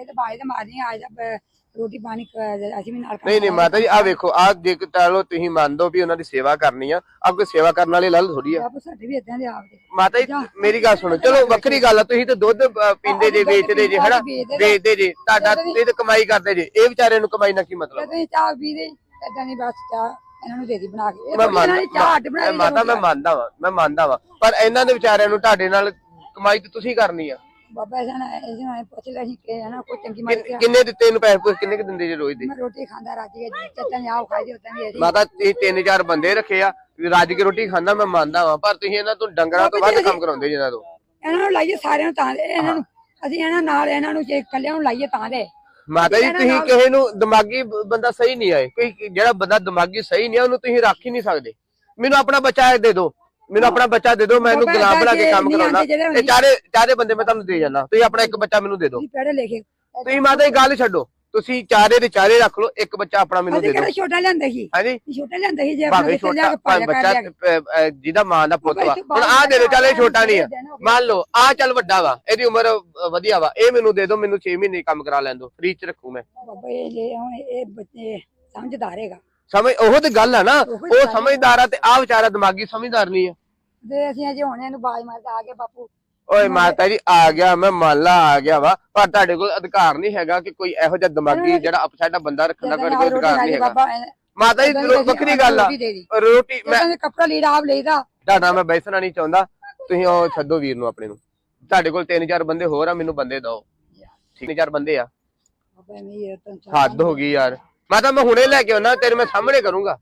[SPEAKER 2] ਰੋਟੀ ਪਾਣੀ ਅਸੀਂ ਵੀ ਨਾਲ
[SPEAKER 1] ਨਹੀਂ ਨਹੀਂ ਮਾਤਾ ਜੀ ਆ ਵੇਖੋ, ਆ ਜੇ ਚਲੋ ਤੁਸੀਂ ਮੰਨ ਦੋ ਵੀ ਉਹਨਾਂ ਦੀ ਸੇਵਾ ਕਰਨੀ ਆ, ਆ ਕੋਈ ਸੇਵਾ ਕਰਨ ਵਾਲੇ ਲੱਲ ਥੋੜੀ ਆ।
[SPEAKER 2] ਸਾਡੇ ਵੀ ਇਦਾਂ ਦੇ ਆਪਦੇ
[SPEAKER 1] ਮਾਤਾ ਜੀ ਮੇਰੀ ਗੱਲ ਸੁਣੋ, ਚਲੋ ਵੱਖਰੀ ਗੱਲ ਆ, ਤੁਸੀਂ ਤੇ ਦੁੱਧ ਪੀਂਦੇ ਜੇ, ਵੇਚਦੇ ਜੇ ਹਨਾ, ਵੇਚਦੇ ਜੇ, ਤੁਹਾਡਾ ਤੁਸੀਂ ਤੇ ਕਮਾਈ ਕਰਦੇ ਜੇ, ਇਹ ਵਿਚਾਰੇ ਨੂੰ ਕਮਾਈ ਨਾਲ ਕੀ ਮਤਲਬ?
[SPEAKER 2] ਤੁਸੀਂ ਚਾਹ ਪੀਦੇ ਇਦਾਂ ਨਹੀਂ, ਬਸ ਚਾਹ ਇਹਨਾਂ ਨੂੰ ਦੇ ਦੀ ਬਣਾ ਕੇ।
[SPEAKER 1] ਮੈਂ ਮੰਨਦਾ ਮਾਤਾ, ਮੈਂ ਮੰਨਦਾ ਵਾ, ਮੈਂ ਮੰਨਦਾ ਵਾ, ਪਰ ਇਹਨਾਂ ਦੇ ਵਿਚਾਰਿਆਂ ਨੂੰ ਤੁਹਾਡੇ ਨਾਲ ਕਮਾਈ ਤੇ ਤੁਸੀਂ ਕਰਨੀ ਆ।
[SPEAKER 2] ਬਾਬਾ ਇਹਨਾਂ ਨੇ ਪੁੱਛ ਲਿਆ ਸੀ ਕਿ ਹਨਾ ਕੋਈ ਚੰਗੀ ਮਾਰੀ
[SPEAKER 1] ਕਿੰਨੇ ਦਿੱਤੇ ਇਹਨੂੰ ਪੈਸੇ, ਕਿੰਨੇ ਕਿ ਦਿੰਦੇ ਜੇ ਰੋਜ਼ ਦੇ?
[SPEAKER 2] ਮੈਂ ਰੋਟੀ ਖਾਂਦਾ ਰਾਜੀ ਚੱਤਾਂ ਨੇ ਆਪ ਖਾਈ ਉਤਾਂ ਵੀ ਅਸੀਂ
[SPEAKER 1] ਮਾਤਾ ਇਹ ਤਿੰਨ ਚਾਰ ਬੰਦੇ ਰੱਖੇ ਆ, ਰੱਜ ਕੇ ਰੋਟੀ ਖਾਂਦਾ ਮੈਂ ਮੰਨਦਾ ਵਾ, ਪਰ ਤੁਸੀਂ ਇਹਨਾਂ ਤੋਂ ਡੰਗਰਾਂ ਤੋਂ ਵੱਧ ਕੰਮ ਕਰਾਉਂਦੇ ਜਿਹਨਾਂ ਤੋਂ।
[SPEAKER 2] ਇਹਨਾਂ ਨੂੰ ਲਾਈਏ ਸਾਰਿਆਂ ਨੂੰ ਤਾਂ ਦੇ, ਇਹਨਾਂ ਨੂੰ ਅਸੀਂ ਇਹਨਾਂ ਨਾਲ ਇਹਨਾਂ ਨੂੰ ਜੇ ਇਕੱਲਿਆਂ ਨੂੰ ਲਾਈਏ ਤਾਂ ਦੇ।
[SPEAKER 1] ਮਾਤਾ ਜੀ ਤੁਸੀਂ ਕਿਸੇ ਨੂੰ ਦਿਮਾਗੀ ਬੰਦਾ ਸਹੀ ਨਹੀਂ ਆਏ, ਕੋਈ ਜਿਹੜਾ ਬੰਦਾ ਦਿਮਾਗੀ ਸਹੀ ਨਹੀਂ ਆ ਉਹਨੂੰ ਤੁਸੀਂ ਰੱਖ ਹੀ ਨਹੀਂ ਸਕਦੇ। ਮੈਨੂੰ ਆਪਣਾ ਬੱਚਾ ਦੇ ਦਿਓ, ਮੈਨੂੰ ਆਪਣਾ ਬੱਚਾ ਦੇ ਦਿਓ, ਮੈਂ ਇਹਨੂੰ ਗੁਲਾਮ ਬਣਾ ਕੇ ਕੰਮ ਕਰਾਉਣਾ। ਇਹ ਚਾਰੇ ਚਾਰੇ ਬੰਦੇ ਮੈਂ ਤੁਹਾਨੂੰ ਦੇ ਜਾਣਾ, ਤੁਸੀਂ ਆਪਣਾ ਇੱਕ ਬੱਚਾ ਮੈਨੂੰ ਦੇ ਦਿਓ। ਤੁਸੀਂ ਮਾਤਾ ਜੀ ਗੱਲ ਛੱਡੋ, ਤੁਸੀਂ ਚਾਰੇ ਦੇ ਚਾਰੇ ਰੱਖ ਲਓ, ਇੱਕ ਬੱਚਾ ਆਪਣਾ ਮੈਨੂੰ ਦੇ ਦਿਓ।
[SPEAKER 2] ਛੋਟਾ ਲਿਆਂਦਾ ਸੀ
[SPEAKER 1] ਹਾਂਜੀ
[SPEAKER 2] ਛੋਟਾ ਲਿਆਂਦਾ ਸੀ, ਜੇ
[SPEAKER 1] ਭਾਵੇਂ ਛੋਟਾ ਬੱਚਾ ਜਿਹਦਾ ਮਾਂ ਦਾ ਪੁੱਤ ਵਾ, ਹੁਣ ਆਹ ਦੇ ਦਿਓ। ਚੱਲ ਇਹ ਛੋਟਾ ਨਹੀਂ ਆ, ਮੰਨ ਲਓ ਆਹ ਚੱਲ ਵੱਡਾ ਵਾ, ਇਹਦੀ ਉਮਰ ਵਧੀਆ ਵਾ, ਇਹ ਮੈਨੂੰ ਦੇ ਦਿਓ, ਮੈਨੂੰ ਛੇ ਮਹੀਨੇ ਕੰਮ ਕਰਾ ਲੈਣ ਦਿਓ, ਫ੍ਰੀ ਚ ਰੱਖੂ ਮੈਂ।
[SPEAKER 2] ਬਾਬਾ ਇਹ ਹੁਣ ਇਹ ਬੱਚੇ ਸਮਝਦਾਰ ਹੈਗਾ,
[SPEAKER 1] ਸਮਝ ਉਹ ਤੇ ਗੱਲ ਆ ਨਾ, ਉਹ ਸਮਝਦਾਰ ਆ ਤੇ ਆਹ ਵਿਚਾਰਾ ਦਿਮਾਗੀ ਸਮਝਦਾਰ ਨਹੀਂ ਆ।
[SPEAKER 2] ਤੇ ਅਸੀਂ ਅਜੇ ਹੁਣ ਇਹਨੂੰ ਬਾਜ ਮਾਰਦਾ ਆ ਗਿਆ ਬਾਪੂ।
[SPEAKER 1] ਓਏ ਮਾਤਾ ਜੀ ਆ ਗਿਆ, ਮੈਂ ਮੰਨ ਲਾ ਆ ਗਿਆ ਵਾ, ਪਰ ਤੁਹਾਡੇ ਕੋਲ ਅਧਿਕਾਰ ਨਹੀਂ ਹੈਗਾ ਕਿ ਕੋਈ ਇਹੋ ਜਿਹਾ ਦਿਮਾਗੀ ਜਿਹੜਾ ਅਪਸੈਟ ਬੰਦਾ ਰੱਖਣ ਦਾ ਕੋਈ ਅਧਿਕਾਰ ਨਹੀਂ ਹੈਗਾ। ਮਾਤਾ ਜੀ ਵੱਖਰੀ ਗੱਲ ਆ, ਰੋਟੀ ਮੈਂ
[SPEAKER 2] ਕੱਪੜਾ ਲੀੜਾ ਆਪ ਲਈਦਾ,
[SPEAKER 1] ਤੁਹਾਡਾ ਮੈਂ ਬੈਸਣਾ ਨਹੀਂ ਚਾਹੁੰਦਾ, ਤੁਸੀਂ ਉਹ ਛੱਡੋ ਵੀਰ ਨੂੰ ਆਪਣੇ ਨੂੰ। ਤੁਹਾਡੇ ਕੋਲ ਤਿੰਨ ਚਾਰ ਬੰਦੇ ਹੋਰ ਆ, ਮੈਨੂੰ ਬੰਦੇ ਦਿਓ, ਤਿੰਨ ਚਾਰ ਬੰਦੇ ਆ। ਹੱਦ ਹੋ ਗਈ ਯਾਰ, ਮਾਤਾ ਮੈਂ ਹੁਣੇ ਲੈ ਕੇ ਆਉਣਾ, ਤੇਰੇ ਮੈਂ ਸਾਹਮਣੇ ਕਰੂੰਗਾ।